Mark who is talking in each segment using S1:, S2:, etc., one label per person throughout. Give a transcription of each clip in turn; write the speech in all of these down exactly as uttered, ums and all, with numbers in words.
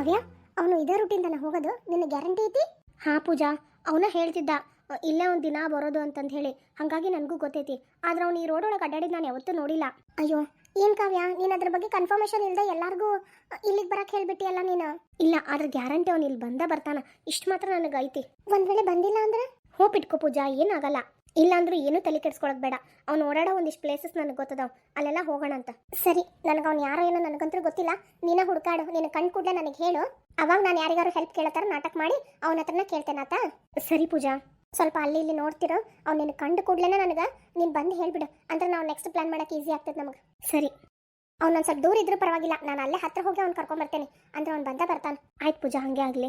S1: ಕಾವ್ಯ, ಅವನು ಇದೇ ರೂಟಿಂದನ ಹೋಗೋದು? ನಿನ್ನ ಗ್ಯಾರಂಟಿ ಐತಿ? ಹಾ ಪೂಜಾ, ಅವನ ಹೇಳ್ತಿದ್ದ ಅ, ಇಲ್ಲೇ ಒಂದು ದಿನ ಬರೋದು ಅಂತಂದು ಹೇಳಿ. ಹಾಗಾಗಿ ನನಗೂ ಗೊತ್ತೈತಿ. ಆದ್ರೆ ಅವ್ನು ಈ ರೋಡ್ ಒಳಗೆ ಅಡ್ಡಾಡಿದ್ದು ನಾನು ಯಾವತ್ತೂ ನೋಡಿಲ್ಲ. ಅಯ್ಯೋ ಏನು ಕಾವ್ಯ, ನೀನು ಅದ್ರ ಬಗ್ಗೆ ಕನ್ಫರ್ಮೇಷನ್ ಇಲ್ಲದೆ ಎಲ್ಲರಿಗೂ ಇಲ್ಲಿಗೆ ಬರಕ್ಕೆ ಹೇಳ್ಬಿಟ್ಟಿಯಲ್ಲ ನೀನು. ಇಲ್ಲ, ಆದ್ರೆ ಗ್ಯಾರಂಟಿ ಅವ್ನು ಇಲ್ಲಿ ಬಂದ ಬರ್ತಾನ, ಇಷ್ಟು ಮಾತ್ರ ನನಗೆ ಐತಿ. ಒಂದ್ ವೇಳೆ ಬಂದಿಲ್ಲ ಅಂದ್ರೆ ಹೋಪ್ ಇಟ್ಕೋ ಪೂಜಾ, ಏನಾಗಲ್ಲ. ಇಲ್ಲ ಅಂದ್ರೂ ಏನೂ ತಲೆ ಕೆಡ್ಸ್ಕೊಳಕ್ ಬೇಡ. ಅವ್ನು ಓಡಾಡೋ ಒಂದಿಷ್ಟು ಪ್ಲೇಸಸ್ ನನಗೆ ಗೊತ್ತದಾವ್, ಅಲ್ಲೆಲ್ಲ ಹೋಗೋಣ ಅಂತ. ಸರಿ, ನನಗೆ ಅವ್ನು ಯಾರೋ ಏನೋ ನನಗಂತೂ ಗೊತ್ತಿಲ್ಲ. ನೀನ ಹುಡುಕಾಡು, ನೀನು ಕಣ್ ಕೂಡಲೇ ನನಗೆ ಹೇಳು. ಅವಾಗ ನಾನು ಯಾರಿಗಾರು ಹೆಲ್ಪ್ ಕೇಳತ್ತಾರ ನಾಟಕ ಮಾಡಿ ಅವನ ಹತ್ರನ ಕೇಳ್ತೇನಾತ. ಸರಿ ಪೂಜಾ, ಸ್ವಲ್ಪ ಅಲ್ಲಿ ಇಲ್ಲಿ ನೋಡ್ತಿರೋ. ಅವ್ನು ನಿನ್ನ ಕಂಡು ಕೂಡಲೇ ನನಗೆ ನೀನು ಬಂದು ಹೇಳ್ಬಿಡು, ಅಂದ್ರೆ ನಾವು ನೆಕ್ಸ್ಟ್ ಪ್ಲಾನ್ ಮಾಡೋಕೆ ಈಸಿ ಆಗ್ತದೆ ನಮಗೆ. ಸರಿ, ಅವ್ನು ಸ್ವಲ್ಪ ದೂರ ಇದ್ರೂ ಪರವಾಗಿಲ್ಲ, ನಾನು ಅಲ್ಲೇ ಹತ್ರ ಹೋಗಿ ಅವ್ನು ಕರ್ಕೊಂಬರ್ತೇನೆ. ಅಂದ್ರೆ ಅವ್ನು ಬಂದ ಬರ್ತಾನೆ. ಆಯ್ತು ಪೂಜಾ, ಹಂಗೆ ಆಗಲಿ.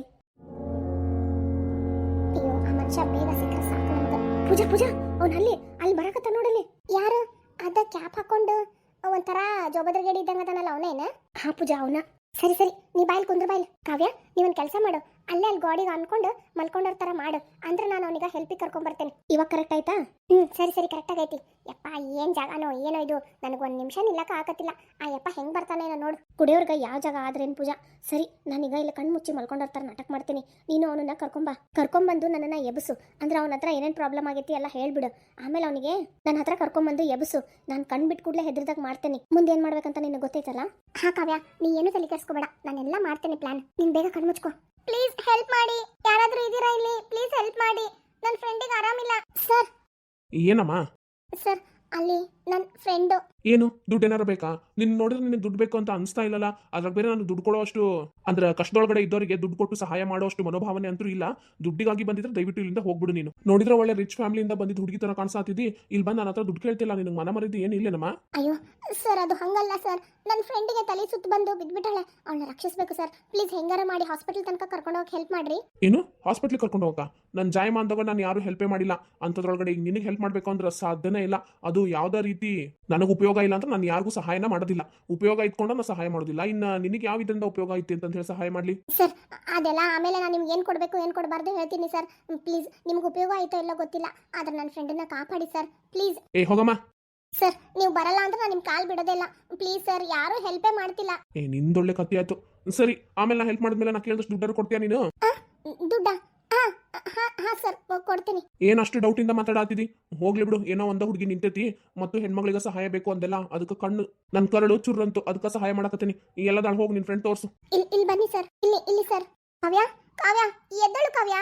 S1: ಅಯ್ಯೋ, ಆ ಮನುಷ್ಯ ಬೇಗ ಸಿಕ್ಕರೆ ಸಾಕು ನಮ್ಗೆ. ಪೂಜಾ ಪೂಜಾ, ಅವ್ನು ಅಲ್ಲಿ ಅಲ್ಲಿ ಬರಕತ್ತ ನೋಡಲಿ. ಯಾರು ಅದ ಕ್ಯಾಪ್ ಹಾಕೊಂಡು ಒಂಥರ ಜೋಬದ್ರಗೇಡಿ ಇದ್ದಂಗ ಅದನಲ್ಲ, ಅವನೇನ? ಹಾ ಪೂಜಾ, ಅವನ. ಸರಿ ಸರಿ, ನೀ ಬಾಯ್ಲಿ ಕುಂದ್ರ ಬಾಯ್ಲಿ. ಕಾವ್ಯ, ನೀವೊಂದು ಕೆಲಸ ಮಾಡು, ಅಲ್ಲೇ ಅಲ್ಲಿ ಗಾಡಿಗೆ ಅನ್ಕೊಂಡು ಮಲ್ಕೊಂಡೋರ್ ಥರ ಮಾಡು. ಅಂದ್ರೆ ನಾನು ಅವನಿಗೆ ಹೆಲ್ಪಿಗೆ ಕರ್ಕೊಂಬರ್ತೇನೆ. ಇವಾಗ ಕರೆಕ್ಟ್ ಆಯ್ತಾ? ಹ್ಞೂ ಸರಿ ಸರಿ, ಕರೆಕ್ಟ್ ಆಗೈತಿ. ಯಪ್ಪ, ಏನು ಜಾಗನೋ ಏನೋ ಇದು, ನನಗೊಂದು ನಿಮಿಷ ನಿಲ್ಲಕ್ಕ ಆಗತ್ತಿಲ್ಲ. ಆ ಯಪ್ಪ ಹೆಂಗೆ ಬರ್ತಾನೇನೋ ನೋಡು. ಕುಡಿಯೋರ್ಗೆ ಯಾವ ಜಾಗ ಆದ್ರೇನು ಪೂಜಾ. ಸರಿ, ನಾನೀಗ ಇಲ್ಲಿ ಕಣ್ಣು ಮುಚ್ಚಿ ಮಲ್ಕೊಂಡೋರ್ ಥರ ನಾಟಕ ಮಾಡ್ತೀನಿ. ನೀನು ಅವನನ್ನ ಕರ್ಕೊಂಬ, ಕರ್ಕೊಂಬಂದು ನನ್ನನ್ನು ಎಬ್ಸು. ಅಂದ್ರೆ ಅವನ ಹತ್ರ ಏನೇನು ಪ್ರಾಬ್ಲಮ್ ಆಗೈತಿ ಎಲ್ಲ ಹೇಳ್ಬಿಡು. ಆಮೇಲೆ ಅವನಿಗೆ ನನ್ನ ಹತ್ರ ಕರ್ಕೊಂಬಂದು ಎಬ್ಸು. ನಾನು ಕಣ್ಣು ಬಿಟ್ಟು ಕೂಡಲೇ ಹೆದ್ರದಾಗ ಮಾಡ್ತೇನೆ. ಮುಂದೆ ಏನು ಮಾಡ್ಬೇಕಂತ ನಿನಗೆ ಗೊತ್ತೈತಲ್ಲ? ಹಾ ಕಾವ್ಯ, ನೀ ಏನು ತಲೆ ಕೆಡಿಸ್ಕೋಬೇಡ, ನಾನೆಲ್ಲ ಮಾಡ್ತೇನೆ ಪ್ಲಾನ್. ನೀನು ಬೇಗ ಕಣ್ಣು ಮುಚ್ಕೋ. ಪ್ಲೀಸ್ ಹೆಲ್ಪ್ ಮಾಡಿ, ಯಾರಾದರೂ ಇದ್ದೀರಾ ಇಲ್ಲಿ? ಪ್ಲೀಸ್ ಹೆಲ್ಪ್ ಮಾಡಿ, ನನ್ನ ಫ್ರೆಂಡಿಗೆ ಆರಾಮಿಲ್ಲ. ಸರ್.
S2: ಏನಮ್ಮ?
S1: ಸರ್, ಅಲ್ಲಿ ನನ್ನ ಫ್ರೆಂಡು.
S2: ಏನು ದುಡ್ಡು ಏನಾರು ಬೇಕಾ? ನಿನ್ನ ನೋಡಿದ್ರೆ ನಿನಗೆ ದುಡ್ಡು ಬೇಕು ಅಂತ ಅನಿಸ್ತಾ ಇಲ್ಲಲ್ಲ. ಅದ್ರಾಗ ಬೇರೆ ನನಗೆ ದುಡ್ಡು ಕೊಡೋ ಅಷ್ಟು, ಅಂದ್ರೆ ಕಷ್ಟದೊಳಗಡೆ ಇದ್ದವರಿಗೆ ದುಡ್ಡು ಕೊಟ್ಟು ಸಹಾಯ ಮಾಡೋ ಅಷ್ಟು ಮನೋಭಾವನೆ ಅಂತೂ ಇಲ್ಲ. ದುಡ್ಡಿಗಾಗಿ ಬಂದಿದ್ರೆ ದಯವಿಟ್ಟು ಇಲ್ಲಿಂದ ಹೋಗ್ಬಿಡು. ನೀನು ನೋಡಿದ್ರೆ ಒಳ್ಳೆ ರಿಚ್ ಫ್ಯಾಮಿಲಿಯಿಂದ ಬಂದಿದ್ದು ಹುಡುಗಿ ತರ ಕಾಣಿಸ್ತಿದ್ದಿ. ಇಲ್ಲಿ ಬಂದು ನನ್ನ ಹತ್ರ ದುಡ್ಡು ಕೇಳ್ತಿಲ್ಲ. ನಿನಗೆ ಮನ ಮರಿದ್ದು ಏನು ಇಲ್ಲೇನಮ್ಮ?
S1: ಅಯ್ಯೋ ಸರ್, ಅದು ಹಂಗಲ್ಲ ಸರ್. ನನ್ನ ಫ್ರೆಂಡಿಗೆ ತಲೆ ಸುತ್ತು ಬಂದು ಬಿದ್ಬಿಟ್ಟಾಳೆ. ಅವಳನ್ನ ರಕ್ಷಿಸಬೇಕು ಸರ್. ಪ್ಲೀಸ್ ಹೆಂಗಾರ ಮಾಡಿ ಹಾಸ್ಪಿಟಲ್ ತನಕ ಕರ್ಕೊಂಡು ಹೋಗಿ ಹೆಲ್ಪ್ ಮಾಡ್ರಿ.
S2: ಏನು ಹಾಸ್ಪಿಟ್ಲಿಗೆ ಕರ್ಕೊಂಡು ಹೋಗಾ? ನನ್ನ ಜಾಯಮ ಅಂದಾಗ ನಾನು ಯಾರು ಹೆಲ್ಪೇ ಮಾಡಿಲ್ಲ. ಅಂಥದ್ರೊಳಗಡೆ ಈಗ ನಿನಗೆ ಹೆಲ್ಪ್ ಮಾಡಬೇಕು ಅಂದ್ರೆ ಸಾಧ್ಯನೇ ಇಲ್ಲ. ಅದು ಯಾವುದೇ ರೀತಿ ನನಗೆ ಉಪಯೋಗ ಇಲ್ಲ ಅಂತ ನಾನು ಯಾರಿಗೂ ಸಹಾಯನ ಮಾಡೋದಿಲ್ಲ. ಉಪಯೋಗ ಇಟ್ಕೊಂಡು ನಾನು ಸಹಾಯ ಮಾಡೋದಿಲ್ಲ. ಇನ್ನು ನಿನಗೆ ಯಾವ ಇದರಿಂದ ಉಪಯೋಗ ಐತಿ ಅಂತ ಹೇಳಿ ಸಹಾಯ ಮಾಡಲಿ?
S1: ಸರ್, ಅದೆಲ್ಲ ಆಮೇಲೆ ನಾನು ನಿಮ್ಗೆ ಏನು ಕೊಡಬೇಕು ಏನು ಕೊಡಬಾರ್ದು ಹೇಳ್ತೀನಿ ಸರ್. ಪ್ಲೀಸ್, ನಿಮ್ಗೆ ಉಪಯೋಗ ಆಯ್ತೋ ಇಲ್ಲೋ ಗೊತ್ತಿಲ್ಲ, ಆದ್ರೆ ನನ್ನ ಫ್ರೆಂಡನ್ನ ಕಾಪಾಡಿ ಸರ್ ಪ್ಲೀಸ್.
S2: ಏ ಹೋಗಮ್ಮ.
S1: ಸರ್, ನೀವು ಬರಲ್ಲ ಅಂದ್ರೆ ನಾನು ನಿಮ್ಮ ಕಾಲ್ ಬಿಡೋದಿಲ್ಲ. ಪ್ಲೀಸ್ ಸರ್, ಯಾರೂ ಹೆಲ್ಪೇ ಮಾಡ್ತಿಲ್ಲ.
S2: ಏ ನಿಂದೊಳ್ಳೆ ಕತ್ತಿ ಆಯ್ತು. ಸರಿ, ಆಮೇಲೆ ನಾ ಹೆಲ್ಪ್ ಮಾಡಿದ್ಮೇಲೆ ನಾ ಕೇಳಿದಷ್ಟು ದುಡ್ಡಾರು ಕೊಡ್ತೀಯಾ ನೀನು?
S1: ದುಡ್ಡ? ಹಾಂ ಹಾಂ ಹಾಂ ಸರ್, ಕೊಡ್ತೀನಿ.
S2: ಏನಷ್ಟು ಡೌಟಿಂದ ಮಾತಾಡಾತಿದಿ? ಹೋಗ್ಲಿ ಬಿಡು. ಏನೋ ಒಂದ ಹುಡುಗಿ ನಿಂತೈತಿ ಮತ್ತು ಹೆಣ್ಮಗಳಿಗೆ ಸಹಾಯ ಬೇಕು ಅಂದೆಲ್ಲ, ಅದಕ್ಕೆ ಕಣ್ಣು ನನ್ನ ಕರಳು ಚುರ್ರಂತು, ಅದಕ್ಕೆ ಸಹಾಯ ಮಾಡಕತ್ತೀನಿ. ಈ ಎಲ್ಲ ದಾಳ ಹೋಗಿ ನಿನ್ ಫ್ರೆಂಡ್ ತೋರ್ಸು.
S1: ಇಲ್ಲಿ ಇಲ್ಲಿ ಬನ್ನಿ ಸರ್, ಇಲ್ಲಿ ಇಲ್ಲಿ ಸರ್. ಕಾವ್ಯ, ಕಾವ್ಯ ಎದ್ದಳು ಕಾವ್ಯ.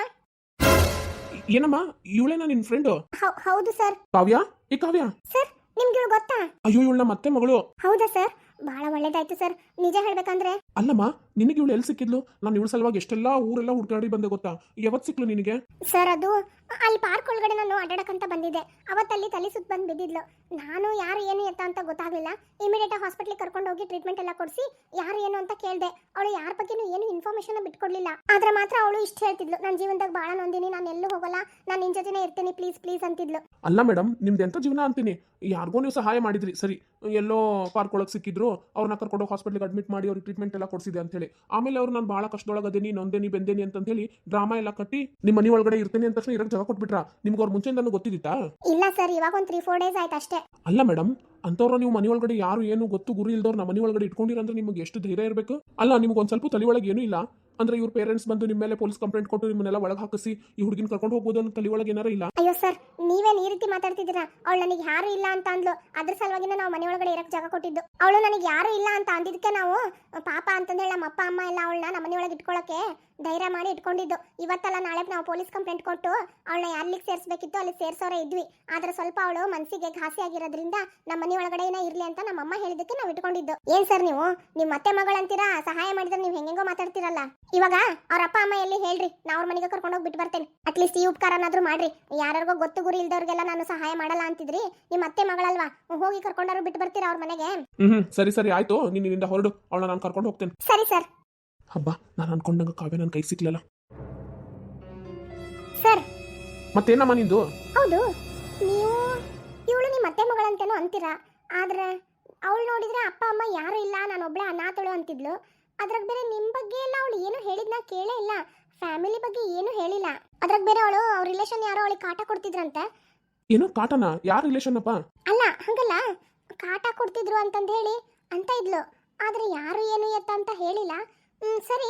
S2: ಏನಮ್ಮ, ಇವಳೇನಾ ನಿನ್ ಫ್ರೆಂಡ್?
S1: ಹೌದು ಸರ್.
S2: ಕಾವ್ಯ, ಈ ಕಾವ್ಯ
S1: ಸರ್, ನಿಮ್ಗೆ ಇವಳು ಗೊತ್ತಾ?
S2: ಅಯ್ಯೋ, ಇವಳ ಮತ್ತೆ ಮಗಳು.
S1: ಹೌದಾ ಸರ್? ಬಹಳ ಒಳ್ಳೇದಾಯ್ತು ಸರ್. ನಿಜ ಹೇಳ್ಬೇಕಂದ್ರೆ
S2: ಅಲ್ಲಮ್ಮ, ನಿನಗೆ ಇವಳು ಎಲ್ಲಿ ಸಿಕ್ಕಿದ್ಲು? ನಾನು ಇವಳ ಸಲುವಾಗಿ ಎಷ್ಟೆಲ್ಲ ಊರೆಲ್ಲ ಹುಡ್ಕಾಡಿ ಬಂದೆ ಗೊತ್ತಾ? ಯಾವತ್ತು ಸಿಕ್ಲು ನಿನಗೆ?
S1: ಸರ್, ಅದು ಅಲ್ಲಿ ಪಾರ್ಕ್ ಒಳಗಡೆ ನಾನು ಅಡ್ಡಾಡಕಂತ ಬಂದಿದ್ದೆ. ಅವತ್ತಲ್ಲಿ ತಲೆ ಸುತ್ತ ಬಂದು ಬಿದ್ದಿದ್ಲು. ನಾನು ಯಾರು ಏನು ಎತ್ತ ಅಂತ ಗೊತ್ತಾಗಲಿಲ್ಲ. ಇಮಿಡಿಯೇಟ್ ಆಗಿ ಹಾಸ್ಪಿಟ್ಲಿಗೆ ಕರ್ಕೊಂಡು ಹೋಗಿ ಟ್ರೀಟ್ಮೆಂಟ್ ಎಲ್ಲ ಕೊಡಿಸಿ ಯಾರು ಏನು ಅಂತ ಕೇಳಿದೆ. ಅವಳು ಯಾರ ಬಗ್ಗೆನೂ ಏನು ಇನ್ಫಾರ್ಮೇಶನ್ ಬಿಟ್ಕೊಡ್ಲಿಲ್ಲ. ಆದ್ರೆ ಮಾತ್ರ ಅವಳು ಇಷ್ಟು ಹೇಳ್ತಿದ್ಲು, ನನ್ನ ಜೀವನದಾಗ ಭಾಳ ನೊಂದಿನಿ, ನಾನು ಎಲ್ಲೂ ಹೋಗಲ್ಲ, ನಾನು ನಿನ್ ಜೊತೆನೇ ಇರ್ತೀನಿ, ಪ್ಲೀಸ್ ಪ್ಲೀಸ್ ಅಂತಿದ್ಲು.
S2: ಅಲ್ಲ ಮೇಡಮ್, ನಿಮ್ದು ಎಂತ ಜೀವನ ಅಂತೀನಿ. ಯಾರಿಗೋ ನೀವು ಸಹಾಯ ಮಾಡಿದ್ರಿ, ಸರಿ, ಎಲ್ಲೋ ಪಾರ್ಕ್ ಒಳಗೆ ಸಿಕ್ಕಿದ್ರು, ಅವ್ರನ್ನ ಕರ್ಕೊಂಡು ಹಾಸ್ಪಿಟ್ಲಿಗೆ ಅಡ್ಮಿಟ್ ಮಾಡಿ ಅವ್ರಿಗೆ ಟ್ರೀಟ್ಮೆಂಟ್ ಎಲ್ಲ ಕೊಡಿಸಿದೆ ಅಂತ ಹೇಳಿ. ಆಮೇಲೆ ಅವ್ರು ನಾನು ಭಾಳ ಕಷ್ಟದೊಳಗದೇನಿ, ನೊಂದೇನಿ, ಬೆಂದೇನಿ ಅಂತ ಹೇಳಿ ಡ್ರಾಮಾ ಎಲ್ಲ ಕಟ್ಟಿ ನಿಮ್ಮ ಮನೆ ಒಳಗಡೆ ಇರ್ತೇನೆ ಅಂತ ತಕ್ಷಣ ಇರಕ್ಕೆ ಜಾಗ ಕೊಟ್ಬಿಟ್ರ? ನಿಮ್ಗೆ ಅವ್ರ ಮುಂಚೆಯಿಂದನೂ ಗೊತ್ತಿದ್ದಿತ್ತಾ?
S1: ಇಲ್ಲ ಸರ್, ಇವಾಗ ಒಂದು ತ್ರೀ ಫೋರ್ ಡೇಸ್ ಆಯ್ತು ಅಷ್ಟೇ.
S2: ಅಲ್ಲ ಮೇಡಮ್, ಅಂಥವ್ರು ನೀವು ಮನೆ ಒಳಗಡೆ ಯಾರು ಏನು ಗೊತ್ತು ಗುರಿ ಇಲ್ದವ್ರು ನಮ್ಮ ಮನೆ ಒಳಗಡೆ ಇಟ್ಕೊಂಡಿರಂದ್ರೆ ನಿಮ್ಗೆ ಎಷ್ಟು ಧೈರ್ಯ ಇರಬೇಕು? ಅಲ್ಲ, ನಿಮ್ಗೆ ಒಂದು ಸ್ವಲ್ಪ ತಲೆ ಒಳಗೆ ಏನೂ ಇಲ್ಲ ಅಂದ್ರೆ ಇವ್ರ ಪೇರೆಂಟ್ಸ್ ಬಂದು ನಿಮ್ಮ ಮೇಲೆ ಪೊಲೀಸ್ ಕಂಪ್ಲೇಂಟ್ ಕೊಟ್ಟು ನಿಮ್ಮನ್ನೆಲ್ಲ ಒಳಗೆ ಹಾಕಿಸಿ ಈ ಹುಡುಗಿನ ಕರ್ಕೊಂಡು ಹೋಗ್ಬೋದು ಅನ್ನೋ ತಲೆ ಒಳಗೆ ಏನಾರ ಇಲ್ಲ?
S1: ಅಯ್ಯೋ ಸರ್, ನೀವೇನು ಈ ರೀತಿ ಮಾತಾಡ್ತಿದ್ದೀರಾ? ಅವಳು ನನಗೆ ಯಾರು ಇಲ್ಲ ಅಂತ ಅಂದ್ಲು, ಅದ್ರ ಸಲುವಾಗಿನ ನಾವು ಮನೆ ಒಳಗಡೆ ಇರಕ್ಕೆ ಜಾಗ ಕೊಟ್ಟಿದ್ದು. ಅವಳು ನನಗೆ ಯಾರು ಇಲ್ಲ ಅಂತ ಅಂದಿದ್ದಕ್ಕೆ ನಾವು ಪಾಪ ಅಂತಂದೇಳಿ ನಮ್ಮ ಅಪ್ಪ ಅಮ್ಮ ಎಲ್ಲ ಅವಳನ್ನ ನಮ್ಮ ಮನೆ ಒಳಗೆ ಇಟ್ಕೊಳ್ಳೋಕೆ ಧೈರ್ಯ ಮಾಡಿ ಇಟ್ಕೊಂಡಿದ್ದು. ಇವತ್ತಲ್ಲ ನಾಳೆ ನಾವು ಪೊಲೀಸ್ ಕಂಪ್ಲೇಂಟ್ ಕೊಟ್ಟು ಅವಳನ್ನ ಎಲ್ಲಿಗೆ ಸೇರಿಸಬೇಕಿತ್ತು ಅಲ್ಲಿ ಸೇರಿಸೋರೇ ಇದ್ವಿ. ಆದ್ರೆ ಸ್ವಲ್ಪ ಅವಳು ಮನಸ್ಸಿಗೆ ಘಾಸಿ ಆಗಿರೋದ್ರಿಂದ ನಮ್ಮ ಮನೆ ಒಳಗಡೆ ಏನೋ ಇರ್ಲಿ ಅಂತ ನಮ್ಮ ಅಮ್ಮ ಹೇಳಿದಕ್ಕೆ ನಾವು ಇಟ್ಕೊಂಡಿದ್ದು. ಏನ್ ಸರ್ ನೀವು ನಿಮ್ಮ ಮತ್ತೆ ಮಗಳಂತೀರಾ? ಸಹಾಯ ಮಾಡಿದ್ರೆ ನೀವು ಹೆಂಗೆಂಗೋ ಮಾತಾಡ್ತಿರಲ್ಲ. ಇವಾಗ ಅವ್ರ ಅಪ್ಪ ಅಮ್ಮ ಎಲ್ಲಿ ಹೇಳ್ರಿ, ನಾ ಅವ್ರ ಮನೆಗೆ ಕರ್ಕೊಂಡು ಹೋಗಿ ಬಿಟ್ಟು ಬರ್ತೇನೆ. ಅಟ್ಲೀಸ್ಟ್ ಈ ಉಪಕಾರನಾದ್ರೂ ಮಾಡ್ರಿ. ಯಾರಿಗೋ ಗೊತ್ತು ಗುರಿ ಇಲ್ದವ್ರಿಗೆಲ್ಲ ನಾನು ಸಹಾಯ ಮಾಡಲ್ಲ ಅಂತಿದ್ರಿ. ನಿಮ್ಮ ಅತ್ತೆ ಮಗಳಲ್ವಾ, ಹೋಗಿ ಕರ್ಕೊಂಡವ್ರು ಬಿಟ್ಟು ಬರ್ತೀರಾ ಅವ್ರ ಮನೆಗೆ?
S2: ಹ್ಮ್ ಸರಿ ಸರಿ ಆಯ್ತು, ನೀನು ಇಲ್ಲಿಂದ ಹೊರಡು, ಅವಳ ನಾನು ಕರ್ಕೊಂಡು ಹೋಗ್ತೇನೆ.
S1: ಸರಿ ಸರ್.
S2: ಹಬ್ಬ, ನಾನು ಅನ್ಕೊಂಡಂಗ ಕಾವ್ಯ ನನ್ನ ಕೈ ಸಿಕ್ಲಲ್ಲ
S1: ಸರ್.
S2: ಮತ್ತೇನಮ್ಮ ನಿಂದು?
S1: ಹೌದು, ನೀವು ಇವಳು ನಿಮ್ಮ ಅತ್ತೆ ಮಗಳಂತೇನೋ ಅಂತೀರಾ, ಆದ್ರೆ ಅವಳು ನೋಡಿದ್ರೆ ಅಪ್ಪ ಅಮ್ಮ ಯಾರು ಇಲ್ಲ, ನಾನು ಒಬ್ಳೆ ಅನಾಥಳು ಅಂತಿದ್ಲು. ಅದ್ರಾಗ ಬೇರೆ ನಿಮ್ಮ ಬಗ್ಗೆ ಎಲ್ಲ ಅವಳು ಏನು ಹೇಳಿದ್ನ ಕೇಳೇ ಇಲ್ಲ. ಫ್ಯಾಮಿಲಿ ಬಗ್ಗೆ ಏನು ಹೇಳಿಲ್ಲ. ಅದ್ರಾಗ ಬೇರೆ ಅವಳು ಅವ್ರ ರಿಲೇಷನ್ ಯಾರೋ ಅವಳಿಗೆ ಕಾಟ ಕೊಡ್ತಿದ್ರಂತೆ.
S2: ಏನು ಕಾಟನ? ಯಾರ ರಿಲೇಷನ್ ಅಪ್ಪ?
S1: ಅಲ್ಲ ಹಂಗಲ್ಲ, ಕಾಟ ಕೊಡ್ತಿದ್ರು ಅಂತಂದು ಹೇಳಿ ಅಂತ ಇದ್ಲು. ಆದ್ರೆ ಯಾರು ಏನು ಎತ್ತ ಅಂತ ಹೇಳಿಲ್ಲ. ಹ್ಮ್ ಸರಿ,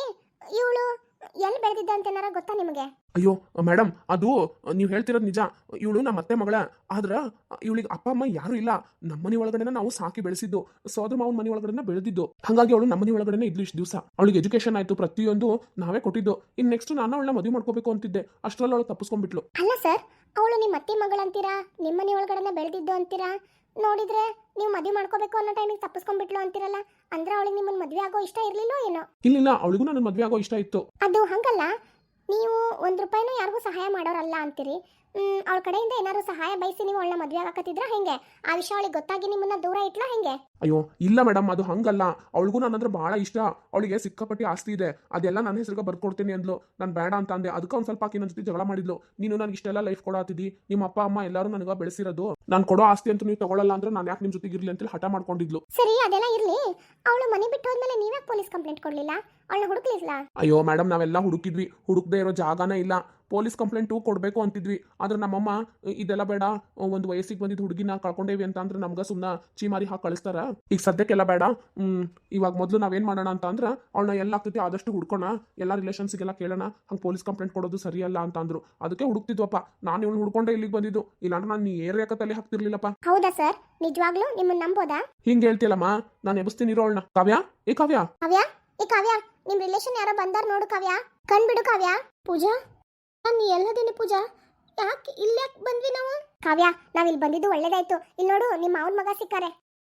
S1: ಇವಳು ಎಲ್ಲಿ ಬೆಳೆದಿದ್ದ ಅಂತ ಏನಾರ ಗೊತ್ತಾ ನಿಮಗೆ?
S2: ಅಯ್ಯೋ ಮೇಡಮ್, ಅದು ನೀವು ಹೇಳ್ತಿರೋದು ನಿಜ. ಇವಳು ನಮ್ಮ ಅತ್ತೆ ಮಗಳ. ಆದ್ರೆ ಇವಳಿಗೆ ಅಪ್ಪ ಅಮ್ಮ ಯಾರು ಇಲ್ಲ. ನಮ್ಮ ಮನೆ ಒಳಗಡೆನ ನಾವು ಸಾಕಿ ಬೆಳೆಸಿದ್ದು, ಸೋದರ ಮಾವನ ಮನೆ ಒಳಗಡೆ ಬೆಳೆದಿದ್ದು. ಹಾಗಾಗಿ ಅವಳು ನಮ್ಮ ಮನೆ ಒಳಗಡೆ ಇದ್ಲು ಇಷ್ಟು ದಿವಸ. ಅವಳಿಗೆ ಎಜುಕೇಶನ್ ಆಯ್ತು, ಪ್ರತಿಯೊಂದು ನಾವೇ ಕೊಟ್ಟಿದ್ದು. ಇನ್ನು ನೆಕ್ಸ್ಟ್ ನಾನು ಅವಳನ್ನ ಮದುವೆ ಮಾಡ್ಕೋಬೇಕು ಅಂತಿದ್ದೆ, ಅಷ್ಟರಲ್ಲಿ ಅವಳು ತಪ್ಪಿಸ್ಕೊಂಡ್ಬಿಟ್ಲು.
S1: ಅಲ್ಲ ಸರ್, ಅವಳು ನಿಮ್ಮ ಅತ್ತೆ ಮಗಳಂತೀರಾ, ನಿಮ್ಮ ಮನೆ ಒಳಗಡೆ ಬೆಳೆದಿದ್ದು ಅಂತೀರಾ, ನೋಡಿದ್ರೆ ನೀವು ಮದುವೆ ಮಾಡ್ಕೋಬೇಕು ಅನ್ನೋ ಟೈಮಿಗೆ ತಪ್ಪಿಸ್ಕೊಂಡ್ಬಿಟ್ಲು ಅಂತಿರಲ್ಲ, ಅಂದ್ರೆ ಅವಳಿಗೆ ನಿಮ್ಮನ್ನ ಮದುವೆ ಆಗೋ ಇಷ್ಟ ಇರ್ಲಿಲ್ಲೋ ಏನೋ?
S2: ಇಲ್ಲ, ಅವಳಿಗೂ ನನ್ನ ಮದುವೆ ಆಗೋ ಇಷ್ಟ ಇತ್ತು.
S1: ಅದು ಹಂಗಲ್ಲ, ನೀವು ಒಂದು ರೂಪಾಯಿನೂ ಯಾರಿಗೂ ಸಹಾಯ ಮಾಡೋರಲ್ಲ ಅಂತೀರಿ. ಅವಳ ಕಡೆಯಿಂದ ಏನಾದ್ರು ಸಹಾಯ ಬಯಸಿ ನೀವು ಅವಳನ್ನ ಮದುವೆ ಆಗಕತ್ತಿದ್ರ ಹೆಂಗೆ? ಆ ವಿಷಯ ಅವಳಿಗೆ ಗೊತ್ತಾಗಿ ನಿಮ್ಮನ್ನ ದೂರ ಇಟ್ಲಾ ಹೆಂಗೆ?
S2: ಅಯ್ಯೋ ಇಲ್ಲ ಮೇಡಮ್, ಅದು ಹಂಗಲ್ಲ. ಅವಳಿಗೂ ನನ್ನಂದ್ರೆ ಬಹಳ ಇಷ್ಟ. ಅವಳಿಗೆ ಸಿಕ್ಕಾಪಟ್ಟಿ ಆಸ್ತಿ ಇದೆ, ಅದೆಲ್ಲ ನನ್ನ ಹೆಸರಿಗೆ ಬರ್ಕೊಡ್ತೀನಿ ಅಂದ್ಲು. ನಾನು ಬೇಡ ಅಂತ ಅಂದೆ. ಅದಕ್ಕೆ ಒಂದು ಸ್ವಲ್ಪ ಆಕಿ ನನ್ನ ಜೊತೆ ಜಗಳ ಮಾಡಿದ್ಲು. ನೀನು ನನಗೆ ಇಷ್ಟೆಲ್ಲ ಲೈಫ್ ಕೊಡಾತಿದ್ದಿ, ನಿಮ್ಮ ಅಪ್ಪ ಅಮ್ಮ ಎಲ್ಲರೂ ನನಗೆ ಬೆಳೆಸಿರೋದು, ನಾನು ಕೊಡೋ ಆಸ್ತಿ ಅಂತ ನೀವು ತಗೊಳ್ಳಲ್ಲ ಅಂದ್ರೆ ನಾನು ಯಾಕೆ ನಿಮ್ಮ ಜೊತೆಗೆ ಇರ್ಲಿ ಅಂತೇಳಿ ಹಠ ಮಾಡ್ಕೊಂಡಿದ್ಲು.
S1: ಸರಿ, ಅದೆಲ್ಲ ಇರ್ಲಿ. ಅವಳು ಮನೆ ಬಿಟ್ಟು ಹೋದ್ಮೇಲೆ ನೀವೇ ಪೊಲೀಸ್ ಕಂಪ್ಲೇಂಟ್ ಕೊಡ್ಲಿಲ್ಲ? ಅವಳನ್ನ ಹುಡುಕ್ಲಿಲ್ಲ?
S2: ಅಯ್ಯೋ ಮೇಡಮ್, ನಾವೆಲ್ಲ ಹುಡುಕಿದ್ವಿ, ಹುಡುಕದೇ ಇರೋ ಜಾಗನೇ ಇಲ್ಲ. ಪೊಲೀಸ್ ಕಂಪ್ಲೇಂಟು ಕೊಡಬೇಕು ಅಂತಿದ್ವಿ. ಆದ್ರೆ ನಮ್ಮಮ್ಮ ಇದೆಲ್ಲ ಬೇಡ, ಒಂದು ವಯಸ್ಸಿಗೆ ಬಂದಿದ್ದು ಹುಡುಗಿನ ಕಳ್ಕೊಂಡೇವಿ ಅಂತ ಅಂದ್ರೆ ನಮ್ಗೆ ಸುಮ್ಮನೆ ಚೀಮಾರಿ ಹಾಕಿ ಕಳಿಸ್ತಾರ. ಈಗ ಸದ್ಯಕ್ಕೆಲ್ಲ ಬೇಡ. ಹ್ಮ್ ಇವಾಗ ಮೊದಲು ನಾವೇನ್ ಮಾಡೋಣ ಅಂತ ಅಂದ್ರೆ ಅವಳನ್ನ ಎಲ್ಲ ಆಗ್ತೈತಿ ಆದಷ್ಟು ಹುಡ್ಕೋಣ, ಎಲ್ಲ ರಿಲೇಷನ್ಸ್ಗೆಲ್ಲ ಕೇಳೋಣ. ಹಂಗೆ ಪೊಲೀಸ್ ಕಂಪ್ಲೇಂಟ್ ಕೊಡೋದು ಸರಿಯಲ್ಲ ಅಂತ ಅಂದ್ರು. ಅದಕ್ಕೆ ಹುಡುಕ್ತಿದ್ವಪ್ಪ. ನಾನು ಇವಳು ಹುಡ್ಕೊಂಡೆ ಇಲ್ಲಿಗೆ ಬಂದಿದ್ದು, ಇಲ್ಲಾಂದ್ರೆ ನಾನು ಏರಿಯಾಕ ತಲೆ ಹಾಕ್ತಿರ್ಲಿಲ್ಲಪ್ಪ.
S1: ಹೌದಾ ಸರ್? ನಿಜವಾಗ್ಲೂ ನಿಮ್ಮನ್ನ ನಂಬೋದಾ?
S2: ಹಿಂಗೆ ಹೇಳ್ತಿಯಲ್ಲಮ್ಮ, ನಾನು ಎಬ್ಸ್ತೀನಿ ಇರೋ ಅವಳನ್ನ. ಕಾವ್ಯ, ಏ ಕಾವ್ಯ,
S1: ಕಾವ್ಯ, ಏ ಕಾವ್ಯ, ನಿಮ್ ರಿಲೇಷನ್ ಯಾರೋ ಬಂದಾರ ನೋಡು ಕಾವ್ಯ. ಕಣ್ಬಿಡು ಕಾವ್ಯ. ಪೂಜಾ, ನಾನು ಎಲ್ಲದೇನೆ ಪೂಜಾ, ಯಾಕೆ ಇಲ್ಲಾಕ್ ಬಂದ್ವಿ ನಾವು? ಕಾವ್ಯ, ನಾವ್ ಇಲ್ಲಿ ಬಂದಿದ್ದು ಒಳ್ಳೇದಾಯ್ತು. ಇಲ್ಲಿ ನೋಡು, ನಿಮ್ಮ ಮಾವನ ಮಗ ಸಿಕ್ಕಾರೆ.